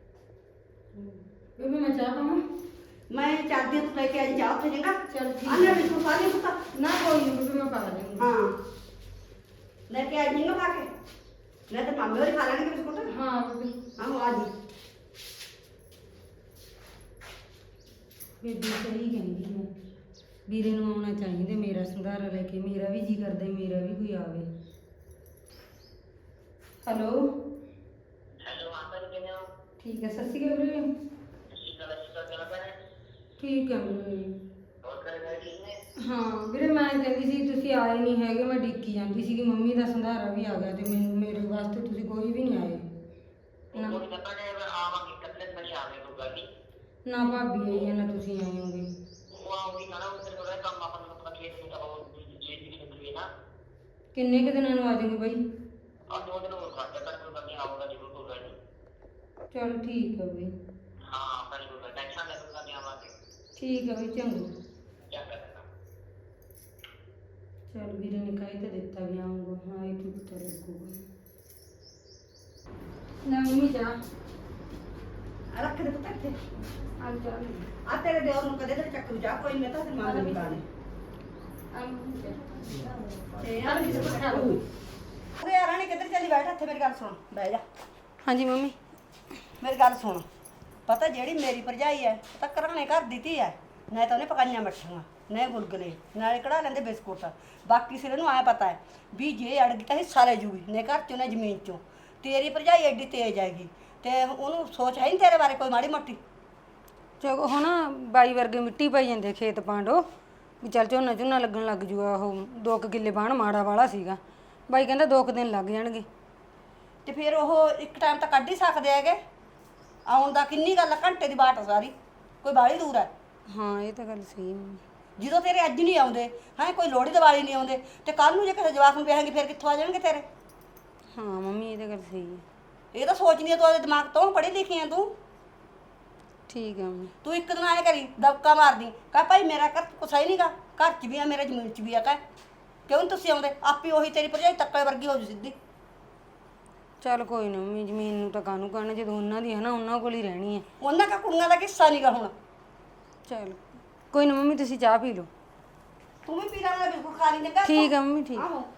Speaker 6: ਬੇਬੇ ਮੈਂ ਚਾਹ ਪਾਵਾਂ?
Speaker 1: ਮੈਂ ਚਾਹਦੀ ਤੂੰ ਲੈ ਕੇ ਅੱਜ ਜਾ ਉੱਥੇ ਜਗਾ
Speaker 6: ਚੱਲ ਠੀਕ
Speaker 1: ਆਨੇ ਵੀ ਤੂੰ ਸਾਰੀ ਪੁੱਤਾ
Speaker 6: ਨਾ ਕੋਈ ਨਹੀਂ ਬੇਬੇ ਮੈਂ ਪਾ ਲਵਾਂਗੀ।
Speaker 1: ਹਾਂ ਲੈ ਕੇ ਆਈ ਨਾ ਪਾ ਕੇ ਨਹੀਂ ਤਾਂ ਮਾਮੇ ਹੋਰ ਖਾ ਲੈਣਗੇ ਬਿਸਕੁਟ।
Speaker 6: ਹਾਂ ਬੇਬੇ
Speaker 1: ਆਹੋ ਆ ਜੀ
Speaker 6: ਬੇਬੇ ਸਹੀ ਕਹਿੰਦੀ ਹੈ ਵੀਰੇ ਨੂੰ ਆਉਣਾ ਚਾਹੀਦਾ ਮੇਰਾ ਸੰਧਾਰਾ ਲੈ ਕੇ ਮੇਰਾ ਵੀ ਜੀ ਕਰਦਾ ਮੇਰਾ ਵੀ ਕੋਈ ਆਵੇ। ਹੈਲੋ
Speaker 7: ਹੈਲੋ ਆਂਦਾ ਕਿਵੇਂ ਹੋ?
Speaker 6: ਠੀਕ ਹੈ ਸਤਿ ਸ਼੍ਰੀ ਅਕਾਲ ਵੀਰੇ।
Speaker 7: ਤੁਸੀਂ ਗੱਲ ਇਸ ਤਰ੍ਹਾਂ ਕਰ ਰਹੇ
Speaker 6: ਠੀਕ ਹੈ ਵੀਰੇ।
Speaker 7: ਹੋਰ ਕਰੇ ਗਏ ਠੀਕ ਨੇ?
Speaker 6: ਹਾਂ ਵੀਰੇ ਮੈਂ ਕਹਿੰਦੀ ਸੀ ਤੁਸੀਂ ਆਏ ਨਹੀਂ ਹੈਗੇ ਮੈਂ ਡਿੱਕੀ ਜਾਂਦੀ ਸੀ ਕਿ ਮੰਮੀ ਦਾ ਸੰਧਾਰਾ ਵੀ ਆ ਗਿਆ ਤੇ ਮੈਨੂੰ ਮੇਰੇ ਵਾਸਤੇ ਤੁਸੀਂ ਕੋਈ ਵੀ ਨਹੀਂ ਆਏ ਨਾ।
Speaker 7: ਕੋਈ ਤਾਂ ਪੜੇ ਆਵਾਂਗੇ ਕੱਲੇ ਬਣੀ ਆਵੇ ਕੋਈ ਗੱਲ ਨਹੀਂ।
Speaker 6: ਨਾ ਭਾਬੀ ਆਈ ਹੈ ਨਾ ਤੁਸੀਂ ਆਏ ਹੋਗੇ।
Speaker 7: ਉਹ ਆਉਂਗੀ ਨਾ ਉੱਧਰ ਥੋੜਾ ਕੰਮ ਆਪਾਂ ਨੂੰ ਪਤਾ ਖੇਤ ਨੂੰ ਤਾਂ ਉਹ ਜੀ ਦੀ ਖੇਤ ਨਾ
Speaker 6: ਕਿੰਨੇ ਕੁ ਦਿਨਾਂ ਨੂੰ ਆ ਜਾਓਗੇ ਬਾਈ?
Speaker 7: ਆ ਦੋ ਦਿਨ ਹੋਰ ਘੱਟ ਕਰ ਕੋਈ ਨਹੀਂ ਆਊਗਾ ਜ਼ਰੂਰ ਕੋਈ ਗੱਲ ਨਹੀਂ।
Speaker 6: ਚਲ ਠੀਕ ਹੈ ਬਈ।
Speaker 7: ਹਾਂ ਪਰ ਕੋਈ ਟੈਨਸ਼ਨ ਲੈ ਕੋਈ ਨਹੀਂ ਆਵਾਂਗੇ।
Speaker 6: ਠੀਕ ਹੈ ਬਈ ਚੰਗਾ।
Speaker 7: ਚੰਗਾ
Speaker 6: ਚਲ ਵੀਰੇ ਨੇ ਕਹਿ ਤਾਂ ਦਿੱਤਾ ਵੀ ਆਊਂਗਾ ਹਾਂ ਇਹ ਤੂੰ ਪਤਾ ਲੱਗੂਗਾ। ਨਾ ਮੰਮੀ ਜਾ
Speaker 1: ਆ ਰੱਖ ਦੇ ਪੁੱਤ ਇੱਥੇ
Speaker 6: ਆ ਜਾ
Speaker 1: ਆ ਤੇਰੇ ਦਿਓਰ ਨੂੰ ਕਦੇ ਤੇ ਚੱਕਰੂ ਜਾ ਕੋਈ ਮੈਂ ਤਾਂ ਫਿਰ ਮਾਰ ਦੇ ਕਾਣੇ ਤੇ ਆ ਵੀ ਬਿਸਕੁਟ ਖਾ ਲਓ। ਅਰੇ ਯਾਰ ਰਾਣੀ ਕਿੱਧਰ ਚੱਲੀ ਬੈਠ ਇੱਥੇ ਮੇਰੀ ਗੱਲ ਸੁਣ ਬਹਿ ਜਾ।
Speaker 6: ਹਾਂਜੀ ਮੰਮੀ
Speaker 1: ਮੇਰੀ ਗੱਲ ਸੁਣ ਪਤਾ ਜਿਹੜੀ ਮੇਰੀ ਭਰਜਾਈ ਹੈ ਉਹ ਤਾਂ ਘਰਾਣੇ ਘਰ ਦਿੱਤੀ ਹੈ ਨਾ ਤਾਂ ਉਹਨੇ ਪਕਾਈਆਂ ਮੱਠੀਆਂ ਨਾ ਗੁਲਗੁਲੇ ਨਾਲੇ ਕਢਾ ਲੈਂਦੇ ਬਿਸਕੁਟ ਬਾਕੀ ਸਿਰੇ ਨੂੰ ਆਇਆ ਪਤਾ ਹੈ ਵੀ ਜੇ ਅੜ ਗਈ ਤਾਂ ਹਿੱਸਾ ਲੈ ਜੂਗੀ ਨੇ ਘਰ ਚੋਂ ਨਾ ਜ਼ਮੀਨ ਚੋਂ। ਤੇਰੀ ਭਰਜਾਈ ਐਡੀ ਤੇਜ਼ ਆਏਗੀ ਤੇ ਉਹਨੂੰ ਸੋਚ ਹੈ ਨਹੀਂ ਤੇਰੇ ਬਾਰੇ ਕੋਈ ਮਾੜੀ ਮੋਟੀ।
Speaker 6: ਚਲੋ ਹੁਣ ਬਾਈ ਵਰਗੇ ਮਿੱਟੀ ਪਾਈ ਜਾਂਦੇ ਖੇਤ ਪਾਂਡੋ ਵੀ ਚੱਲ ਝੋਨਾ ਝੋਨਾ ਲੱਗਣ ਲੱਗ ਜੂਗਾ। ਉਹ ਦੋ ਕੁ ਕਿੱਲੇ ਬਾਣ ਮਾੜਾ ਵਾਲਾ ਸੀਗਾ ਬਾਈ ਕਹਿੰਦਾ ਦੋ ਕੁ ਦਿਨ ਲੱਗ ਜਾਣਗੇ।
Speaker 1: ਤੇ ਫਿਰ ਉਹ ਇੱਕ ਟਾਈਮ ਤਾਂ ਕੱਢ ਹੀ ਸਕਦੇ ਹੈਗੇ ਆਉਣ ਦਾ ਕਿੰਨੀ ਗੱਲ ਆ, ਘੰਟੇ ਦੀ ਬਾਟ ਆ ਸਾਰੀ, ਕੋਈ ਬਾਹਲੀ ਦੂਰ ਹੈ।
Speaker 6: ਹਾਂ ਇਹ ਤਾਂ ਗੱਲ ਸਹੀ ਹੈ ਮੰਮੀ।
Speaker 1: ਜਦੋਂ ਤੇਰੇ ਅੱਜ ਨਹੀਂ ਆਉਂਦੇ ਹੈ, ਕੋਈ ਲੋਹੜੀ ਦੀਵਾਲੀ ਨਹੀਂ ਆਉਂਦੇ, ਤੇ ਕੱਲ ਨੂੰ ਜੇ ਕਿਸੇ ਜਵਾਕ ਨੂੰ ਵਿਆਹਾਂਗੇ ਫਿਰ ਕਿੱਥੋਂ ਆ ਜਾਣਗੇ ਤੇਰੇ?
Speaker 6: ਹਾਂ ਮੰਮੀ ਇਹ ਤਾਂ ਗੱਲ ਸਹੀ ਹੈ।
Speaker 1: ਇਹ ਤਾਂ ਸੋਚਦੀ ਆ ਤੂੰ ਆਪਦੇ ਦਿਮਾਗ ਤੋਂ, ਪੜ੍ਹੀ ਲਿਖੀ ਆ ਤੂੰ।
Speaker 6: ਠੀਕ ਹੈ ਮੰਮੀ।
Speaker 1: ਤੂੰ ਇੱਕ ਦਿਨ ਆਏ ਕਰੀ ਦਬਕਾ ਮਾਰਦੀ, ਕਹ ਭਾਈ ਮੇਰਾ ਘਰ ਕੁਛ ਹੈ ਨਹੀਂਗਾ, ਘਰ 'ਚ ਵੀ ਆ ਮੇਰਾ ਜ਼ਮੀਨ 'ਚ ਵੀ ਆ, ਕਹ ਕਿਉਂ ਨੀ ਤੁਸੀਂ ਆਉਂਦੇ? ਆਪੀ ਉਹੀ ਤੇਰੀ ਭਰਜਾਈ ਤੱਕੇ ਵਰਗੀ ਹੋ ਜੂ ਸਿੱਧੀ।
Speaker 6: ਚੱਲ ਕੋਈ ਨਾ ਮੰਮੀ, ਜ਼ਮੀਨ ਨੂੰ ਤਾਂ ਕਾਹਨੂੰ ਕਹਿਣਾ, ਜਦੋਂ ਉਹਨਾਂ ਦੀ ਹੈ ਨਾ ਉਹਨਾਂ ਕੋਲ ਹੀ ਰਹਿਣੀ ਹੈ।
Speaker 1: ਉਹਨਾਂ ਕਾ ਕੁੜੀਆਂ ਦਾ ਕਿੱਸਾ ਨਹੀਂਗਾ ਹੁਣ।
Speaker 6: ਚੱਲ ਕੋਈ ਨਾ ਮੰਮੀ, ਤੁਸੀਂ ਚਾਹ ਪੀ ਲਓ।
Speaker 1: ਤੂੰ ਵੀ ਪੀ ਲੈਣਾ, ਬਿਲਕੁਲ ਖਾ ਲਈ ਚੰਗਾ।
Speaker 6: ਠੀਕ ਆ ਮੰਮੀ, ਠੀਕ।
Speaker 1: ਆਹੋ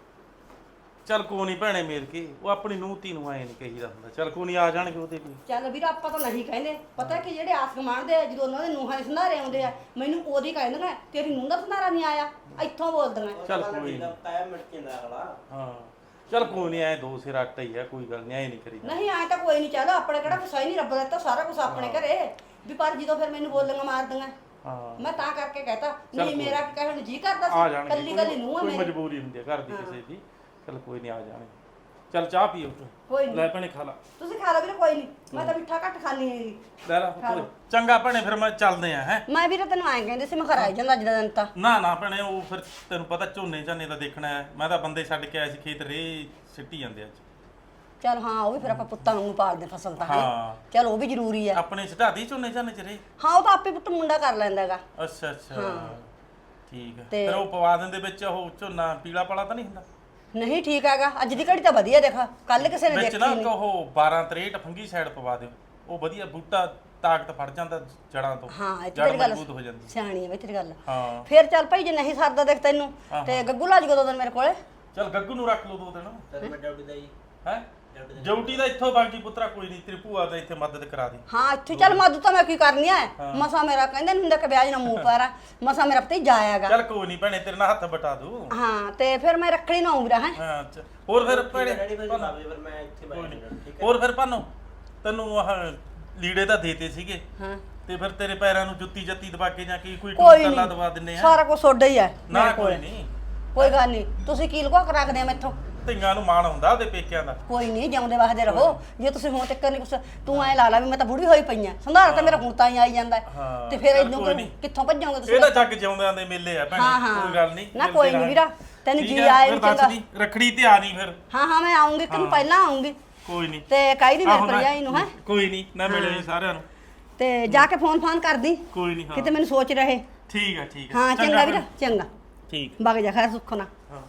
Speaker 2: ਚੱਲ ਕੋਈ ਨਹੀਂ ਭੈਣੇ ਮੇਰ ਕੇ, ਉਹ ਆਪਣੀ ਨੂੰਹ ਧੀ ਨੂੰ ਐ ਨਹੀਂ ਕਹੀਦਾ ਹੁੰਦਾ। ਚੱਲ ਕੋਈ ਨਹੀਂ ਆ ਜਾਣਗੇ ਉਹਦੇ ਵੀ।
Speaker 1: ਚੱਲ ਵੀਰ ਆਪਾਂ ਤਾਂ ਨਹੀਂ ਕਹਿੰਦੇ, ਪਤਾ ਕਿ ਜਿਹੜੇ ਆਸ ਗਮਾਣਦੇ ਆ ਜਦੋਂ ਉਹਨਾਂ ਦੇ ਨੂੰਹਾਂ ਦੇ ਸੰਧਾਰੇ ਆਉਂਦੇ ਆ, ਮੈਨੂੰ ਉਹਦੀ ਕਹਿੰਦੀਆਂ ਤੇਰੀ ਨੂੰਹ ਦਾ ਸੰਧਾਰਾ ਨਹੀਂ ਆਇਆ, ਇੱਥੋਂ ਬੋਲਦੀਆਂ।
Speaker 2: ਚੱਲ ਕੋਈ ਨੀ।
Speaker 3: ਤਾਇਆ ਮਿਟ ਜਾਂਦਾ ਅਗਲਾ।
Speaker 2: ਹਾਂ ਚੱਲ ਕੋਈ ਨਹੀਂ, ਐ ਦੋ ਸਿਰ ਆਟਾ ਹੀ ਆ, ਕੋਈ ਗੱਲ ਨਹੀਂ, ਐ ਨਹੀਂ ਕਰੀਦਾ।
Speaker 1: ਨਹੀਂ ਆਏ ਤਾਂ ਕੋਈ ਨਹੀਂ, ਚੱਲ ਆਪਣੇ ਕਿਹੜਾ ਕੁਛ ਹੈ ਨਹੀਂ, ਰੱਬ ਦਾ ਦਿੱਤਾ ਸਾਰਾ ਕੁਝ ਆਪਣੇ ਘਰੇ ਵੀ, ਪਰ ਜਦੋਂ ਫਿਰ ਮੈਨੂੰ ਬੋਲੀਆਂ ਮਾਰਦੀਆਂ
Speaker 2: ਹਾਂ
Speaker 1: ਮੈਂ ਤਾਂ ਕਰਕੇ ਕਹਤਾ,
Speaker 2: ਚੱਲ
Speaker 1: ਨਹੀਂ
Speaker 2: ਕੋਈ
Speaker 1: ਮੇਰਾ ਕੀ ਕਹਿਣ ਨੂੰ ਜੀ ਕਰਦਾ
Speaker 2: ਆ
Speaker 1: ਸੀ,
Speaker 2: ਜਾਣਗੇ,
Speaker 1: ਕੱਲੀ ਕੱਲੀ ਨੂੰਹ ਆ
Speaker 2: ਕੋਈ
Speaker 1: ਮੇਰੀ।
Speaker 2: ਮਜਬੂਰੀ ਹੁੰਦੀ ਹੈ ਘਰ ਦੀ ਕਿਸੇ ਦੀ। ਚੱਲ ਕੋਈ ਨਹੀਂ ਆ ਜਾਣਗੇ। ਚੱਲ ਚਾਹ ਪੀਓ
Speaker 1: ਕੋਈ
Speaker 2: ਲੈ
Speaker 1: ਨਹੀਂ
Speaker 2: ਭੈਣੇ, ਖਾ ਲਾ।
Speaker 1: ਤੁਸੀਂ ਖਾ ਲਓ ਵੀਰੇ, ਕੋਈ ਨਹੀਂ, ਮੈਂ ਤਾਂ ਮਿੱਠਾ ਘੱਟ ਖਾਣੀ ਹੈਗੀ।
Speaker 2: ਲੈ ਲਾ ਕੋਈ- ਚੰਗਾ ਭੈਣੇ, ਫਿਰ ਮੈਂ ਚੱਲਦੇ ਆ ਹੈ।
Speaker 1: ਮੈਂ ਵੀਰੇ ਤੈਨੂੰ ਐਂ ਕਹਿੰਦੇ ਸੀ, ਮੈਂ ਘਰ ਆ ਜਾਂਦਾ ਅੱਜ ਦਾ ਦਿਨ ਤਾਂ।
Speaker 2: ਨਾ ਨਾ ਭੈਣੇ, ਉਹ ਫਿਰ ਤੈਨੂੰ ਪਤਾ ਝੋਨੇ ਝਾਨੇ ਦਾ ਦੇਖਣਾ ਹੈ। ਮੈਂ ਤਾਂ ਬੰਦੇ ਛੱਡ ਕੇ ਆਇਆ ਸੀ ਖੇਤ, ਰੇ ਸਿੱਟੀ ਜਾਂਦੇ ਅੱਜ।
Speaker 1: ਚੱਲ ਹਾਂ, ਉਹ ਵੀ ਫਿਰ ਆਪਾਂ ਪੁੱਤਾਂ ਨੂੰ ਪਾਲਦੇ ਫਸਲ ਤਾਂ ਹੈ।
Speaker 2: ਹਾਂ
Speaker 1: ਚੱਲ ਉਹ ਵੀ ਜ਼ਰੂਰੀ ਹੈ।
Speaker 2: ਆਪਣੇ ਛਡਾਦੀ ਝੋਨੇ ਝਾਨੇ ਚ ਰੇ।
Speaker 1: ਹਾਂ ਉਹ ਤਾਂ ਆਪੇ ਪੁੱਤ ਮੁੰਡਾ ਕਰ ਲੈਂਦਾ ਹੈਗਾ।
Speaker 2: ਅੱਛਾ ਅੱਛਾ ਠੀਕ ਹੈ।
Speaker 1: ਤੇ-
Speaker 2: ਫਿਰ ਉਹ ਪਵਾ ਦਿੰਦੇ ਵਿੱਚ, ਉਹ ਝੋਨਾ ਪੀਲਾ ਪਾਲਾ ਤਾਂ ਨਹੀਂ ਹੁੰਦਾ?
Speaker 1: ਨਹੀਂ ਠੀਕ ਹੈਗਾ, ਅੱਜ ਦੀ ਘੜੀ ਤਾਂ ਵਧੀਆ ਦੇਖ, ਕੱਲ ਕਿਸੇ ਨੇ
Speaker 2: ਵਿੱਚ
Speaker 1: ਦੇਖੀ
Speaker 2: ਨਾ
Speaker 1: ਨਹੀਂ।
Speaker 2: ਉਹ ਬਾਰਾਂ ਤਰੇਂਹਠ ਫੰਗੀ ਸਾਈਡ ਪਵਾ ਦਿਓ, ਉਹ ਵਧੀਆ ਬੂਟਾ ਤਾਕਤ ਫੜ ਜਾਂਦਾ ਜੜਾਂ ਤੋਂ।
Speaker 1: ਹਾਂ ਇਹ
Speaker 2: ਜੜ
Speaker 1: ਤੇਰੀ ਗੱਲ
Speaker 2: ਮਜ਼ਬੂਤ ਹੋ ਜਾਂਦੀ।
Speaker 1: ਸਿਆਣੀ ਹੈ ਬਈ ਤੇਰੀ ਗੱਲ।
Speaker 2: ਹਾਂ
Speaker 1: ਫਿਰ ਚੱਲ ਭਾਈ ਜੇ ਨਹੀਂ ਸਰਦਾ ਦੇਖ ਤੈਨੂੰ, ਤੇ ਗੱਗੂ ਲਾ ਜੀ ਦੋ ਦਿਨ ਮੇਰੇ ਕੋਲੇ।
Speaker 2: ਚੱਲ ਗੱਗੂ ਨੂੰ ਰੱਖ ਲਓ ਦੋ ਦਿਨ
Speaker 3: ਤਦ ਮੈਂ ਡਾਊਟੀ ਦਾ ਜੀ।
Speaker 2: ਹੈ। ਡਿਊਟੀ ਦਾ ਇੱਥੋਂ ਬਾਕੀ ਪੁੱਤਰਾ ਕੋਈ ਨਹੀਂ, ਤੇਰੀ ਭੂਆ ਦਾ ਇੱਥੇ ਮਦਦ ਕਰਾ ਦੇ।
Speaker 1: ਹਾਂ ਇੱਥੇ ਚੱਲ ਮਦਦ ਤਾਂ ਮੈਂ ਕੀ ਕਰਨੀ ਐ, ਮਸਾ ਮੇਰਾ ਕਹਿੰਦੇ ਨੀ ਹੁੰਦਾ ਕਿ ਵਿਆਜ ਨਾ ਮੂੰਹ ਪਾਰਾ, ਮਸਾ ਮੇਰਾ ਪਤੀ ਜਾਇਆਗਾ।
Speaker 2: ਚੱਲ ਕੋਈ ਨਹੀਂ ਭੈਣੇ, ਤੇਰੇ ਨਾਲ ਹੱਥ ਬਟਾ ਦੂ।
Speaker 1: ਹਾਂ ਤੇ ਫਿਰ ਮੈਂ ਰੱਖੜੀ ਨਾ ਆਉਂਗਾ ਹੈ।
Speaker 2: ਹਾਂ ਅੱਛਾ। ਹੋਰ ਫਿਰ ਭੈਣੇ
Speaker 3: ਡੈਡੀ ਫਿਰ ਜਨਾਬੇ ਫਿਰ ਮੈਂ ਇੱਥੇ ਬੈਠ ਜਾਣਾ ਠੀਕ ਹੈ।
Speaker 2: ਹੋਰ ਫਿਰ ਭਾਨੋ, ਤੈਨੂੰ ਆਹ ਲੀੜੇ ਤਾਂ ਦੇਤੇ ਸੀਗੇ,
Speaker 1: ਹਾਂ
Speaker 2: ਤੇ ਫਿਰ ਤੇਰੇ ਪੈਰਾਂ ਨੂੰ ਜੁੱਤੀ ਜੱਤੀ ਦਵਾ ਕੇ ਜਾਂ ਕੀ ਕੋਈ
Speaker 1: ਕੋਈ
Speaker 2: ਟੂਟਾ
Speaker 1: ਨਹੀਂ,
Speaker 2: ਦਵਾ ਦਿੰਨੇ ਆ।
Speaker 1: ਸਾਰਾ ਕੁਝ ਸੋਡਾ ਹੀ ਐ
Speaker 2: ਨਾ
Speaker 1: ਮੇਰੇ
Speaker 2: ਕੋਈ
Speaker 1: ਕੋਲੇ।
Speaker 2: ਨਹੀਂ,
Speaker 1: ਕੋਈ ਗੱਲ ਨਹੀਂ, ਤੁਸੀਂ ਕੀ ਲੁਕਾ ਕੇ ਰੱਖਦੇ ਆ ਮੈਥੋਂ?
Speaker 2: ਧੀਆਂ ਨੂੰ ਮਾਣ ਹੁੰਦਾ ਉਹਦੇ ਪੇਕਿਆਂ ਦਾ।
Speaker 1: ਕੋਈ ਨਹੀਂ, ਜਿਉਂਦੇ ਵਸਦੇ ਰਹੋ। ਜੇ ਤੁਸੀਂ ਹੁਣ ਤੱਕ ਨਹੀਂ ਕੁਛ, ਤੂੰ ਐ ਲਾ ਲਾ ਵੀ ਮੈਂ ਤਾਂ ਬੁੜੀ ਹੋਈ ਪਈ ਆ, ਸੰਧਾਰਾ ਤਾਂ ਮੇਰਾ ਹੁਣ ਤਾਂ ਹੀ ਆਈ ਜਾਂਦਾ ਹੈ।
Speaker 2: ਹਾਂ,
Speaker 1: ਤੇ ਫਿਰ
Speaker 2: ਚੱਲ
Speaker 1: ਇਹਨੂੰ
Speaker 2: ਕੋਈ ਨੀ।
Speaker 1: ਕਿੱਥੋਂ ਭੱਜੋਗੇ ਤੁਸੀਂ?
Speaker 2: ਇਹ ਤਾਂ ਜੱਗ ਜਿਉਂਦਿਆਂ ਦੇ ਮੇਲੇ ਆ ਭੈਣੇ,
Speaker 1: ਹਾਂ ਹਾਂ
Speaker 2: ਕੋਈ ਗੱਲ ਨਹੀਂ।
Speaker 1: ਨਾ ਕੋਈ ਨਹੀਂ ਵੀਰਾ, ਤੈਨੂੰ ਜੀ ਆਏ ਵੀ ਚੰਗਾ।
Speaker 2: ਰੱਖੜੀ ਤੇ ਆ ਨਹੀਂ ਫਿਰ।
Speaker 1: ਹਾਂ ਹਾਂ ਮੈਂ ਆਉਂਗੀ, ਇੱਕ ਦਿਨ ਪਹਿਲਾਂ ਆਉਂਗੀ
Speaker 2: ਕੋਈ ਨਹੀਂ,
Speaker 1: ਤੇ ਕਾਈ ਦੀ ਮੇਰੇ
Speaker 2: ਆਹੋ ਨਾ,
Speaker 1: ਭਰਜਾਈ ਨੂੰ ਹੈ।
Speaker 2: ਕੋਈ ਨਹੀਂ, ਨਾ ਮਿਲੇ ਸਾਰਿਆਂ ਨੂੰ।
Speaker 1: ਤੇ ਜਾ ਕੇ ਫੋਨ ਫਾਨ ਕਰਦੀ,
Speaker 2: ਕੋਈ ਨਹੀਂ। ਹਾਂ
Speaker 1: ਕਿਤੇ ਮੈਨੂੰ ਸੋਚ ਰਹੇ।
Speaker 2: ਠੀਕ ਹੈ ਠੀਕ ਹੈ।
Speaker 1: ਹਾਂ ਚੰਗਾ ਵੀਰਾ, ਚੰਗਾ
Speaker 2: ਠੀਕ।
Speaker 1: ਵਗ ਜਾ ਖੈਰ ਸੁੱਖ ਨਾ।
Speaker 2: ਹਾਂ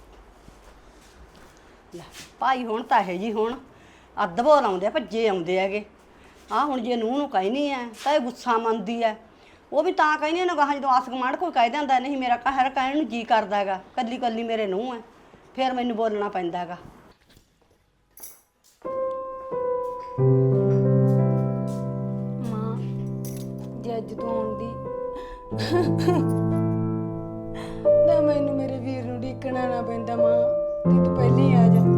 Speaker 1: ਲੈ ਭਾਈ ਹੁਣ ਤਾਂ ਇਹ ਜੀ ਹੁਣ ਅੱਧ ਬੋਲ ਆਉਂਦੇ ਆ, ਭੱਜੇ ਆਉਂਦੇ ਹੈਗੇ। ਆ ਹੁਣ ਜੇ ਨੂੰਹ ਨੂੰ ਕਹਿਨੀ ਐ ਤਾਂ ਇਹ ਗੁੱਸਾ ਮੰਨਦੀ ਐ, ਉਹ ਵੀ ਤਾਂ ਕਹਿੰਦੀ ਨਾ ਗਾਹਾਂ ਜਦੋਂ ਆਸ ਗਮਾਂਡ ਕੋਈ ਕਹਿ ਦਿੰਦਾ ਨਹੀਂ ਮੇਰਾ ਕਹਿਰ ਕਹਿਣ ਨੂੰ ਜੀ ਕਰਦਾ ਹੈਗਾ, ਕੱਲੀ ਕੱਲੀ ਮੇਰੇ ਨੂੰਹ ਐ, ਫਿਰ ਮੈਨੂੰ ਬੋਲਣਾ ਪੈਂਦਾ ਹੈਗਾ।
Speaker 6: ਮਾਂ ਜੇ ਅੱਜ ਤੂੰ ਆਉਂਦੀ ਤਾਂ ਮੈਨੂੰ ਮੇਰੇ ਵੀਰ ਨੂੰ ਢੀਕਣਾ ਨਾ ਪੈਂਦਾ ਮਾਂ, ਤੇ ਤੂੰ ਪਹਿਲਾਂ ਹੀ ਆ ਜਾਂਦੀ।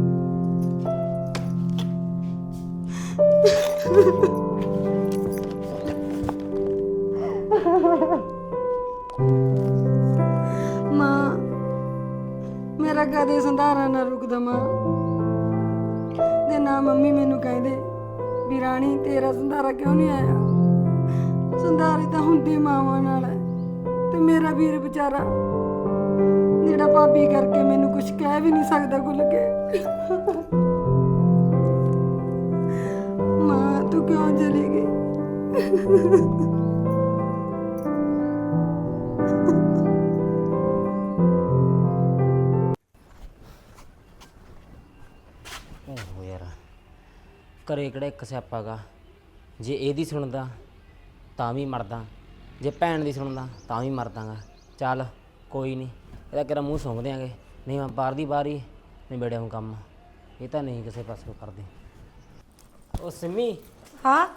Speaker 6: ਮਾਂ ਮੇਰਾ ਕਦੇ ਸੰਧਾਰਾ ਨਾ ਰੁਕਦਾ ਮਾਂ, ਤੇ ਨਾ ਮੰਮੀ ਮੈਨੂੰ ਕਹਿੰਦੇ ਵੀ ਰਾਣੀ ਤੇਰਾ ਸੰਧਾਰਾ ਕਿਉਂ ਨਹੀਂ ਆਇਆ। ਸੰਧਾਰੇ ਤਾਂ ਹੁੰਦੇ ਮਾਵਾਂ ਨਾਲ ਹੈ, ਤੇ ਮੇਰਾ ਵੀਰ ਵਿਚਾਰਾ ਜਿਹੜਾ ਭਾਬੀ ਕਰਕੇ ਮੈਨੂੰ ਕੁਝ ਕਹਿ ਵੀ ਨਹੀਂ ਸਕਦਾ ਖੁੱਲ ਕੇ। ਮਾਂ ਤੂੰ ਕਿਉਂ ਚਲੀ ਗਈ?
Speaker 4: ਓਹੋ ਯਾਰ, ਘਰੇ ਕਿਹੜਾ ਇੱਕ ਸਿਆਪਾ ਗਾ, ਜੇ ਇਹਦੀ ਸੁਣਦਾ ਤਾਂ ਵੀ ਮਰਦਾ, ਜੇ ਭੈਣ ਦੀ ਸੁਣਦਾ ਤਾਂ ਵੀ ਮਰਦਾਗਾ। ਚੱਲ ਕੋਈ ਨਹੀਂ, ਇਹਦਾ ਕਿਹੜਾ ਮੂੰਹ ਸੁੰਘ ਦਿਆਂਗੇ, ਨਹੀਂ ਮੈਂ ਬਾਹਰ ਦੀ ਬਾਹਰ ਹੀ ਨਿਬੇੜਿਆ ਹੁਣ ਕੰਮ, ਇਹ ਤਾਂ ਨਹੀਂ ਕਿਸੇ ਪਾਸੇ ਕਰਦੇ। ਉਹ ਸਿੰਮੀ,
Speaker 5: ਹਾਂ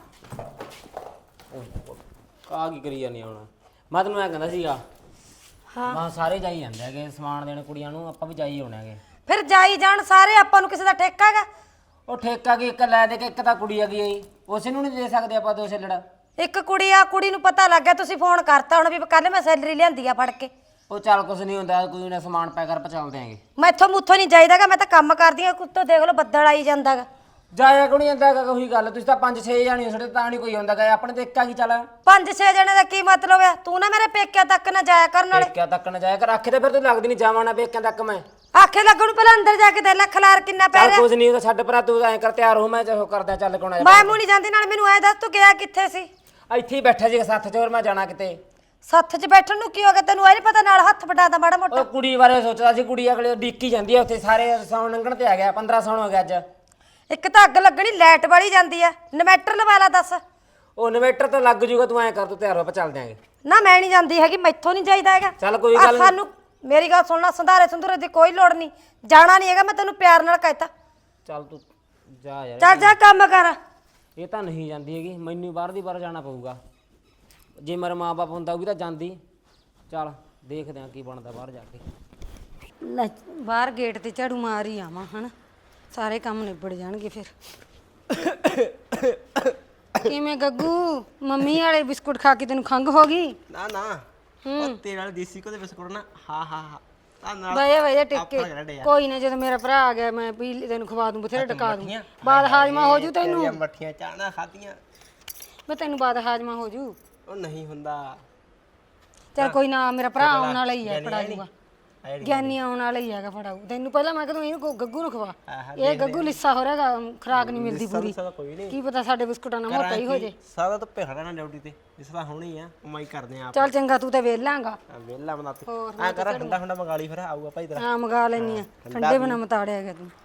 Speaker 4: ਆ ਕੀ ਕਰੀ ਜਾਂਦੀ ਹੁਣ? ਮੈਂ ਤੈਨੂੰ ਐਂ ਕਹਿੰਦਾ ਸੀਗਾ,
Speaker 5: ਹਾਂ
Speaker 4: ਮੈਂ ਸਾਰੇ ਜਾਈ ਜਾਂਦੇ ਹੈਗੇ ਸਮਾਨ ਦੇਣ ਕੁੜੀਆਂ ਨੂੰ, ਆਪਾਂ ਵੀ ਜਾਈ ਆਉਣੇ ਹੈਗੇ।
Speaker 5: ਫਿਰ ਜਾਈ ਜਾਣ ਸਾਰੇ, ਆਪਾਂ ਨੂੰ ਕਿਸੇ ਦਾ ਠੇਕਾ ਹੈਗਾ?
Speaker 4: ਉਹ ਠੇਕਾ ਕੀ ਇੱਕ ਲੈ ਦੇ ਕੇ, ਇੱਕ ਤਾਂ ਕੁੜੀ ਹੈਗੀ ਆਈ, ਉਸੇ ਨੂੰ ਨਹੀਂ ਦੇ ਸਕਦੇ ਆਪਾਂ ਦੋ ਛੱਲੜ।
Speaker 5: ਇੱਕ ਕੁੜੀ ਆ, ਕੁੜੀ ਨੂੰ ਪਤਾ ਲੱਗ ਗਿਆ, ਤੁਸੀਂ ਫੋਨ ਕਰਤਾ ਹੁਣ ਵੀ ਕੱਲ ਮੈਂ ਸੈਲਰੀ ਲਿਆਂਦੀ ਆ ਫੜ ਕੇ।
Speaker 4: ਉਹ ਚੱਲ ਕੁਛ ਨਹੀਂ ਹੁੰਦਾ, ਕੋਈ ਨਾ ਸਮਾਨ ਪੈ ਕਰ ਪਚਾਲ ਦਿਆਂਗੇ।
Speaker 5: ਮੈਥੋਂ ਮੁੱਥੋਂ ਨਹੀਂ ਜਾਈਦਾਗਾ, ਮੈਂ ਤਾਂ ਕੰਮ ਕਰਦੀ ਆ, ਕੁੱਤੋਂ ਦੇਖ ਲਓ ਬੱਦਲ ਆਈ ਜਾਂਦਾਗਾ।
Speaker 4: ਜਾਇਆ ਕੋਈ ਨਹੀਂ ਜਾਂਦਾ ਹੈਗਾ ਕੋਈ ਗੱਲ। ਤੁਸੀਂ ਤਾਂ ਪੰਜ ਛੇ ਜਾਣੇ ਹੋ, ਸਾਡੇ ਤਾਂ ਨਹੀਂ ਕੋਈ ਆਉਂਦਾ ਗਾ। ਆਪਣੇ ਤੇ ਇੱਕਾ ਕੀ ਚੱਲ
Speaker 5: ਪੰਜ ਛੇ ਜਣੇ ਦਾ ਕੀ ਮਤਲਬ ਹੈ? ਤੂੰ ਨਾ ਮੇਰੇ ਪੇਕਿਆਂ ਤੱਕ ਨਾ ਜਾਇਆ ਕਰਨ ਵਾਲੇ।
Speaker 4: ਪੇਕਿਆਂ ਤੱਕ ਨਾ ਜਾਇਆ ਕਰ। ਆਖੇ ਤੇ ਫਿਰ ਤੂੰ ਲੱਗਦੀ ਨਹੀਂ ਜਾਵਾਂ ਨਾ ਪੇਕਿਆਂ ਤੱਕ ਮੈਂ।
Speaker 5: ਆਖੇ ਲੱਗਣ ਨੂੰ ਪਹਿਲਾਂ ਅੰਦਰ ਜਾ ਕੇ ਦੇ ਲੈ ਖਲਾਰ ਕਿੰਨਾ ਪੈ
Speaker 4: ਚੱਲ
Speaker 5: ਰਿਹਾ।
Speaker 4: ਕੁਝ ਨਹੀਂ ਉਹਦਾ ਛੱਡ ਪਰਾਂ, ਤੂੰ ਐਂ ਕਰ ਤਿਆਰ ਹੋ, ਮੈਂ ਚਲੋ ਕਰਦਾ ਚੱਲ ਕੋਣਾ।
Speaker 5: ਮੈਂ ਮੂੰਹ ਨਹੀਂ ਜਾਂਦੀ, ਨਾਲ ਮੈਨੂੰ ਐ ਦੱਸ ਤੂੰ ਗਿਆ ਕਿੱਥੇ ਸੀ?
Speaker 4: ਇੱਥੇ ਹੀ ਬੈਠਾ ਜੀ ਸੱਥ 'ਚ, ਹੋਰ ਮੈਂ ਜਾਣਾ ਕਿਤੇ।
Speaker 5: ਸੱਥ 'ਚ ਬੈਠਣ ਨੂੰ ਕੀ ਹੋ ਗਿਆ ਤੈਨੂੰ? ਐ ਨਹੀਂ ਪਤਾ ਨਾਲ ਹੱਥ ਵਟਾਦਾ ਮਾੜਾ ਮੋਟਾ।
Speaker 4: ਉਹ ਕੁੜੀ ਬਾਰੇ ਸੋਚਦਾ ਸੀ, ਕੁੜੀ ਅਗਲੇ ਡੀਕੀ ਜਾਂਦੀ ਆ ਉੱਥੇ, ਸਾਰੇ ਸੌਣ ਲੰਘਣ ਤੇ ਆ ਗਿਆ। ਪੰਦਰਾਂ ਸੌਣ ਹੋ ਗਿਆ ਅੱਜ।
Speaker 5: ਇੱਕ ਤਾਂ ਅੱਗ ਲੱਗਣੀ ਲਾਈਟ ਵਾਲੀ ਜਾਂਦੀ ਆ, ਇਨਵੈਟਰ ਲਵਾ ਲਾ ਦੱਸ।
Speaker 4: ਉਹ ਇਨਵੇਟਰ ਤਾਂ ਲੱਗ ਜੂਗਾ, ਤੂੰ ਐਂ ਕਰ ਤੂੰ ਤਿਆਰ ਹੋ, ਆਪਾਂ ਚੱਲ ਦਿਆਂਗੇ।
Speaker 5: ਨਾ ਮੈਂ ਨਹੀਂ ਜਾਂਦੀ ਹੈਗੀ, ਮੈਥੋਂ ਨਹੀਂ ਜਾਈਦਾ ਹੈਗਾ।
Speaker 4: ਚੱਲ ਕੋਈ
Speaker 5: ਆਹ
Speaker 4: ਗੱਲ ਨੀ।
Speaker 5: ਸਾਨੂੰ ਮੇਰੀ ਗੱਲ ਸੁਣਨਾ, ਸੰਧਾਰੇ ਸੰਧੂਰੇ ਦੀ ਕੋਈ ਲੋੜ ਨਹੀਂ, ਜਾਣਾ ਨਹੀਂ ਹੈਗਾ। ਮੈਂ ਤੈਨੂੰ ਪਿਆਰ ਨਾਲ ਕਹਿਤਾ
Speaker 4: ਚੱਲ ਤੂੰ ਜਾ ਯਾਰ।
Speaker 5: ਚੱਲ ਜਾ ਕੰਮ ਕਰ।
Speaker 4: ਇਹ ਤਾਂ ਨਹੀਂ ਜਾਂਦੀ ਹੈਗੀ, ਮੈਨੂੰ ਬਾਹਰ ਦੀ ਬਾਹਰ ਜਾਣਾ ਪਊਗਾ। ਜੇ ਮੇਰਾ ਮਾਂ-ਬਾਪ ਹੁੰਦਾ ਉਹ ਵੀ ਤਾਂ ਜਾਂਦੀ। ਚੱਲ ਦੇਖਦੇ ਆ ਕੀ ਬਣਦਾ ਬਾਹਰ ਜਾ ਕੇ।
Speaker 5: ਲੈ ਬਾਹਰ ਗੇਟ ਤੇ ਝਾੜੂ ਮਾਰ ਹੀ ਆਵਾਂ ਹਨਾ, ਸਾਰੇ ਕੰਮ ਨਿਬੜ ਜਾਣਗੇ ਫਿਰ। ਕਿਵੇਂ ਗੱਗੂ, ਮੰਮੀ ਵਾਲੇ ਬਿਸਕੁਟ ਖਾ ਕੇ ਤੈਨੂੰ ਖੰਘ ਹੋ ਗਈ?
Speaker 3: ਨਾ ਨਾ ਉਹ ਤੇਰੇ ਨਾਲ ਦੇਸੀ ਕੋ ਦੇ ਬਿਸਕੁਟ ਨਾ ਹਾਂ ਹਾਂ ਹਾਂ ਤਾਂ ਨਾਲ
Speaker 5: ਬਈਆ ਬਈਆ
Speaker 3: ਆਪਾਂ
Speaker 5: ਟਿੱਕੇ
Speaker 3: ਖੜੇ ਆ।
Speaker 5: ਕੋਈ ਨਾ, ਜਦੋਂ ਮੇਰਾ ਭਰਾ ਆ ਗਿਆ ਮੈਂ ਪੀ ਤੈਨੂੰ ਖਵਾ ਦੂੰ, ਬਥੇਰੇ ਟਕਾ ਦੂੰ। ਬਾਦ ਹਾਜਮਾ ਹੋ ਜੂ ਤੈਨੂੰ।
Speaker 3: ਤੇਰੀਆਂ ਮੱਠੀਆਂ ਚਾਣਾ ਖਾਧੀਆਂ
Speaker 5: ਮੈਂ ਤੈਨੂੰ ਬਾਦ ਹਾਜਮਾ ਹੋ ਜੂ।
Speaker 3: ਉਹ ਨਹੀਂ ਹੁੰਦਾ।
Speaker 5: ਚੱਲ ਕੋਈ ਨਾ, ਮੇਰਾ ਭਰਾ ਆਉਣ ਵਾਲਾ ਹੀ ਹੈ, ਫੜਾ ਦੂਗਾ।
Speaker 3: ਆਏ
Speaker 5: ਗਿਆਨੀ ਆਉਣ ਵਾਲਾ ਹੀ ਹੈਗਾ, ਫੜਾਊ ਤੈਨੂੰ। ਪਹਿਲਾਂ ਮੈਂ ਕਹਦੂੰ ਇਹਨੂੰ ਗੱਗੂ ਨੂੰ ਖਵਾ,
Speaker 3: ਆਹਾ,
Speaker 5: ਇਹ ਗੱਗੂ ਲਿੱਸਾ ਹੋ ਰਿਹਾਗਾ, ਖਰਾਕ ਨਹੀਂ ਮਿਲਦੀ ਪੂਰੀ।
Speaker 3: ਲਿੱਸਾ ਤਾਂ ਕੋਈ ਨਹੀਂ।
Speaker 5: ਕੀ ਪਤਾ ਸਾਡੇ ਬਿਸਕੁਟਾਂ ਨਾਲ ਮੋਟਾ ਹੀ ਹੋ ਜੇ।
Speaker 3: ਸਾਰਾ ਤਾਂ ਭੇਖੜਾ ਨਾ ਡਿਊਟੀ ਤੇ, ਇਸ ਤਾਂ ਹੋਣੀ ਆ, ਕਮਾਈ ਕਰਦੇ ਆ ਆਪ।
Speaker 5: ਚੱਲ ਚੰਗਾ, ਤੂੰ ਤੇ ਵੇਲਾਂਗਾ।
Speaker 3: ਵੇਲਾ ਬਣਾ ਤੇ
Speaker 5: ਹੋਰ,
Speaker 3: ਆ ਕਰ ਠੰਡਾ ਠੰਡਾ ਮੰਗਾ ਲਈ, ਫਿਰ ਆਊਗਾ ਭਾਈ ਤੇਰਾ।
Speaker 5: ਹਾਂ ਮੰਗਾ ਲੈਣੀ ਆ, ਠੰਡੇ ਬਿਨਾ ਮਤਾੜਿਆ ਗਿਆ ਤੂੰ।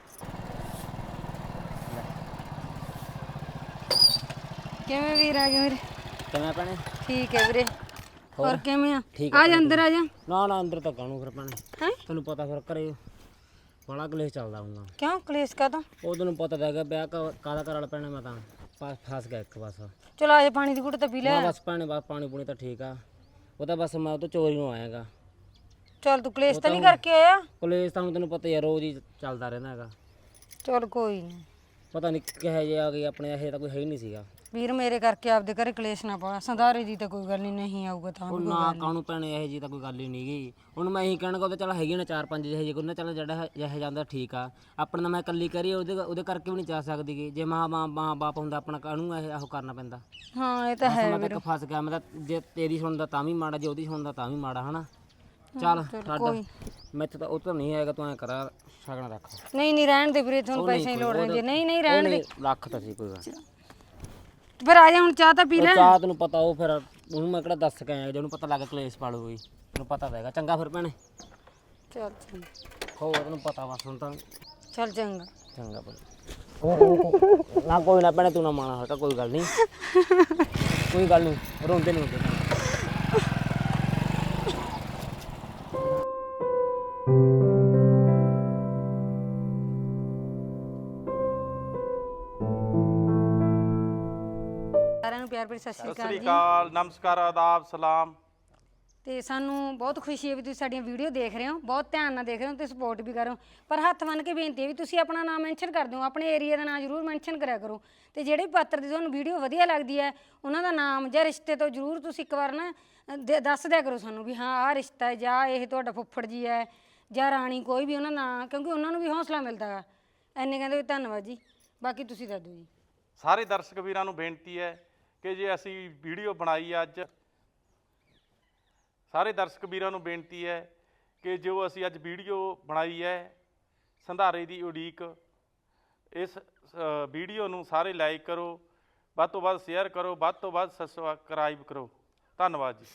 Speaker 5: ਕਿਵੇਂ ਵੀਰ ਆ ਗਿਆ ਵੀਰੇ?
Speaker 4: ਕਿਵੇਂ ਭੈਣੇ?
Speaker 5: ਠੀਕ ਹੈ ਵੀਰੇ। ਹੋਰ ਕਿਵੇਂ ਆ?
Speaker 4: ਠੀਕ
Speaker 5: ਆ ਜਾ ਅੰਦਰ ਆ ਜਾ।
Speaker 4: ਨਾ ਨਾ ਅੰਦਰ ਤਾਂ ਕਾਹਨੂੰ ਫਿਰ ਭੈਣੇ,
Speaker 5: ਹੈ
Speaker 4: ਤੈਨੂੰ ਪਤਾ ਫਿਰ ਘਰੇ ਬੜਾ ਕਲੇਸ਼ ਚੱਲਦਾ ਹੁੰਦਾ।
Speaker 5: ਕਿਉਂ ਕਲੇਸ਼ ਕਾਹਦਾ?
Speaker 4: ਉਹ ਤੈਨੂੰ ਪਤਾ ਤਾਂ ਹੈਗਾ, ਵਿਆਹ ਕਾ- ਕਾਹਦਾ ਕਰ ਵਾਲਾ ਪੈਣਾ। ਮੈਂ ਤਾਂ ਫਸ ਫਸ ਗਿਆ ਇੱਕ ਬਸ।
Speaker 5: ਚਲੋ ਆ ਜਾ, ਪਾਣੀ ਦੀ ਘੁੱਟ ਤਾਂ ਪੀ ਲੈ।
Speaker 4: ਮੈਂ ਬਸ ਭੈਣੇ ਬਸ ਪਾਣੀ ਪੂਣੀ ਤਾਂ ਠੀਕ ਆ, ਉਹ ਤਾਂ ਬਸ ਮੈਂ ਉਹ ਤੋਂ ਚੋਰੀ ਨੂੰ ਆਇਆਗਾ।
Speaker 5: ਚੱਲ ਤੂੰ ਕਲੇਸ਼ ਤਾਂ ਨਹੀਂ ਕਰਕੇ ਆਇਆ?
Speaker 4: ਕਲੇਸ਼ ਤਾਂ ਹੁਣ ਤੈਨੂੰ ਪਤਾ ਹੀ ਆ, ਰੋਜ਼ ਹੀ ਚੱਲਦਾ ਰਹਿੰਦਾ ਹੈਗਾ।
Speaker 5: ਚੱਲ ਕੋਈ ਨਹੀਂ
Speaker 4: ਪਤਾ ਨਹੀਂ ਕਿਹੋ ਜਿਹੇ ਆ ਗਏ ਆਪਣੇ, ਇਹ ਤਾਂ ਕੋਈ ਹੈ ਹੀ ਨਹੀਂ ਸੀਗਾ।
Speaker 5: ਵੀਰ, ਮੇਰੇ ਕਰਕੇ ਆਪਦੇ ਘਰੇ ਕਲੇਸ਼ ਨਾ ਪਾ। ਸੰਧਾਰੇ ਦੀ ਤਾਂ ਕੋਈ ਗੱਲ ਨਹੀਂ, ਨਹੀਂ ਆਊਗਾ ਤਾਂ
Speaker 4: ਉਹ
Speaker 5: ਵੀ ਕੋਈ
Speaker 4: ਨਾ
Speaker 5: ਗੱਲ ਨੀ।
Speaker 4: ਕਾਹਨੂੰ ਭੈਣੇ, ਇਹੋ ਜਿਹੀ ਤਾਂ ਕੋਈ ਗੱਲ ਹੀ ਨਹੀਂ ਗਈ। ਹੁਣ ਮੈਂ ਇਹੀ ਕਹਿਣਾ ਕਿ ਚੱਲ ਹੈਗੀ ਨਾ ਚਾਰ ਪੰਜ ਜਿਹੇ ਜਿਹੇ ਕੋਈ ਨਾ, ਚੱਲ ਜਿਹੜਾ ਜਿਹੇ ਜਾਂਦਾ ਠੀਕ ਆ। ਆਪਣਾ ਤਾਂ ਮੈਂ ਇਕੱਲੀ ਕਰੀ, ਉਹਦੇ ਉਹਦੇ ਕਰਕੇ ਵੀ ਨਹੀਂ ਜਾ ਸਕਦੀ ਗੀ। ਜੇ ਮਾਂ ਮਾਂ ਮਾਂ ਬਾਪ ਹੁੰਦਾ ਆਪਣਾ, ਕਾਹਨੂੰ ਇਹ ਆਹੋ ਕਰਨਾ ਪੈਂਦਾ।
Speaker 5: ਹਾਂ ਇਹ ਤਾਂ ਹੈ
Speaker 4: ਮੈਂ ਤਾਂ ਇੱਕ ਫਸ ਗਿਆ। ਮੈਂ ਤਾਂ ਜੇ ਤੇਰੀ ਸੁਣਦਾ ਤਾਂ ਵੀ ਮਾੜਾ, ਜੇ ਉਹਦੀ ਸੁਣਦਾ ਤਾਂ ਵੀ ਮਾੜਾ ਹਨਾ। ਚੱਲ ਛੱਡ, ਮੈਥੋਂ ਤਾਂ ਉਹ ਤਾਂ ਨਹੀਂ ਆਏਗਾ। ਤੂੰ ਐਂ ਕਰਾ ਸ਼ਗਨ ਰੱਖ।
Speaker 5: ਨਹੀਂ ਨਹੀਂ ਰਹਿਣ ਦੇ ਵੀਰੇ, ਤੁਹਾਨੂੰ ਪੈਸੇ ਦੀ ਲੋੜ ਰਹਿੰਦੀ ਹੈ। ਨਹੀਂ ਨਹੀਂ ਰਹਿਣ ਦੇ,
Speaker 4: ਰੱਖ ਤਾਂ ਸੀ ਕੋਈ ਗੱਲ।
Speaker 5: ਫਿਰ ਆ ਜਾ ਹੁਣ, ਚਾਹ ਤਾਂ ਪੀ ਲੈ।
Speaker 4: ਚਾਹ ਤੈਨੂੰ ਪਤਾ, ਉਹ ਫਿਰ ਉਹਨੂੰ ਮੈਂ ਕਿਹੜਾ ਦੱਸ ਕੇ ਆਇਆ, ਜੇ ਉਹਨੂੰ ਪਤਾ ਲੱਗ ਕਲੇਸ਼ ਪਾਲੂਗੀ। ਤੈਨੂੰ ਪਤਾ ਤਾਂ ਹੈਗਾ। ਚੰਗਾ ਫਿਰ ਭੈਣੇ,
Speaker 5: ਚੱਲ ਚੰਗਾ।
Speaker 4: ਹੋਰ ਤੈਨੂੰ ਪਤਾ ਬਸ ਹੁਣ ਤਾਂ।
Speaker 5: ਚੱਲ ਚੰਗਾ।
Speaker 4: ਚੰਗਾ ਭੈਣੇ। ਨਾ ਕੋਈ ਨਾ ਭੈਣੇ, ਤੂੰ ਨਾ ਮਾਣਾ ਹਟਾ, ਕੋਈ ਗੱਲ ਨਹੀਂ, ਕੋਈ ਗੱਲ ਨਹੀਂ, ਰੋਂਦੇ ਨਹੀਂ ਹੁੰਦੇ।
Speaker 5: ਸਾਰਿਆਂ ਨੂੰ ਪਿਆਰ ਭਰੀ ਸਤਿ ਸ਼੍ਰੀ
Speaker 2: ਸਤਿ
Speaker 5: ਅਕਾਲ
Speaker 2: ਸ੍ਰੀ
Speaker 5: ਜੀ।
Speaker 2: ਅਕਾਲ, ਨਮਸਕਾਰ, ਆਦਾਬ, ਸਲਾਮ।
Speaker 5: ਤੇ ਸਾਨੂੰ ਬਹੁਤ ਖੁਸ਼ੀ ਹੈ ਵੀ ਤੁਸੀਂ ਸਾਡੀਆਂ ਵੀਡੀਓ ਦੇਖ ਰਹੇ ਹੋ, ਬਹੁਤ ਧਿਆਨ ਨਾਲ ਦੇਖ ਰਹੇ ਹੋ ਤੇ ਸਪੋਰਟ ਵੀ ਕਰ ਰਹੇ ਹੋ। ਪਰ ਹੱਥ ਬੰਨ੍ਹ ਕੇ ਬੇਨਤੀ ਹੈ ਵੀ ਤੁਸੀਂ ਆਪਣਾ ਨਾਮ ਮੈਂਸ਼ਨ ਕਰ ਦਿਓ, ਆਪਣੇ ਏਰੀਆ ਦਾ ਨਾਮ ਜ਼ਰੂਰ ਮੈਂਸ਼ਨ ਕਰਿਆ ਕਰੋ। ਤੇ ਜਿਹੜੇ ਪਾਤਰ ਦੀ ਤੁਹਾਨੂੰ ਵੀਡੀਓ ਵਧੀਆ ਲੱਗਦੀ ਹੈ, ਉਹਨਾਂ ਦਾ ਨਾਮ ਜਾਂ ਰਿਸ਼ਤੇ ਤੋਂ ਜ਼ਰੂਰ ਤੁਸੀਂ ਇੱਕ ਵਾਰ ਨਾ ਅ, ਦੇ- ਦੱਸ ਦਿਆ ਕਰੋ ਸਾਨੂੰ ਵੀ ਹਾਂ ਆਹ ਰਿਸ਼ਤਾ ਹੈ, ਜਾਂ ਇਹ ਤੁਹਾਡਾ ਫੁੱਫੜ ਜੀ ਹੈ, ਜਾਂ ਰਾਣੀ, ਕੋਈ ਵੀ ਉਹਨਾਂ ਦਾ, ਕਿਉਂਕਿ ਉਹਨਾਂ ਨੂੰ ਵੀ ਹੌਸਲਾ ਮਿਲਦਾ ਗਾ। ਐਨੇ ਕਹਿੰਦੇ ਵੀ ਧੰਨਵਾਦ ਜੀ। ਬਾਕੀ ਤੁਸੀਂ ਦੱਸ ਦਿਓ ਜੀ।
Speaker 2: ਸਾਰੇ ਦਰਸ਼ਕ ਵੀਰਾਂ ਨੂੰ ਬੇਨਤੀ ਹੈ ਕਿ ਜੇ ਅਸੀਂ ਵੀਡੀਓ ਬਣਾਈ ਅੱਜ, ਸਾਰੇ ਦਰਸ਼ਕ ਵੀਰਾਂ ਨੂੰ ਬੇਨਤੀ ਹੈ ਕਿ ਜੋ ਅਸੀਂ ਅੱਜ ਵੀਡੀਓ ਬਣਾਈ ਹੈ ਸੰਧਾਰੇ ਦੀ ਉਡੀਕ, ਇਸ ਅ, ਵੀਡੀਓ ਨੂੰ ਸਾਰੇ ਲਾਈਕ ਕਰੋ, ਵੱਧ ਤੋਂ ਵੱਧ ਸ਼ੇਅਰ ਕਰੋ, ਵੱਧ ਤੋਂ ਵੱਧ ਸਬਸਕ੍ਰਾਈਬ ਕਰੋ। ਧੰਨਵਾਦ ਜੀ।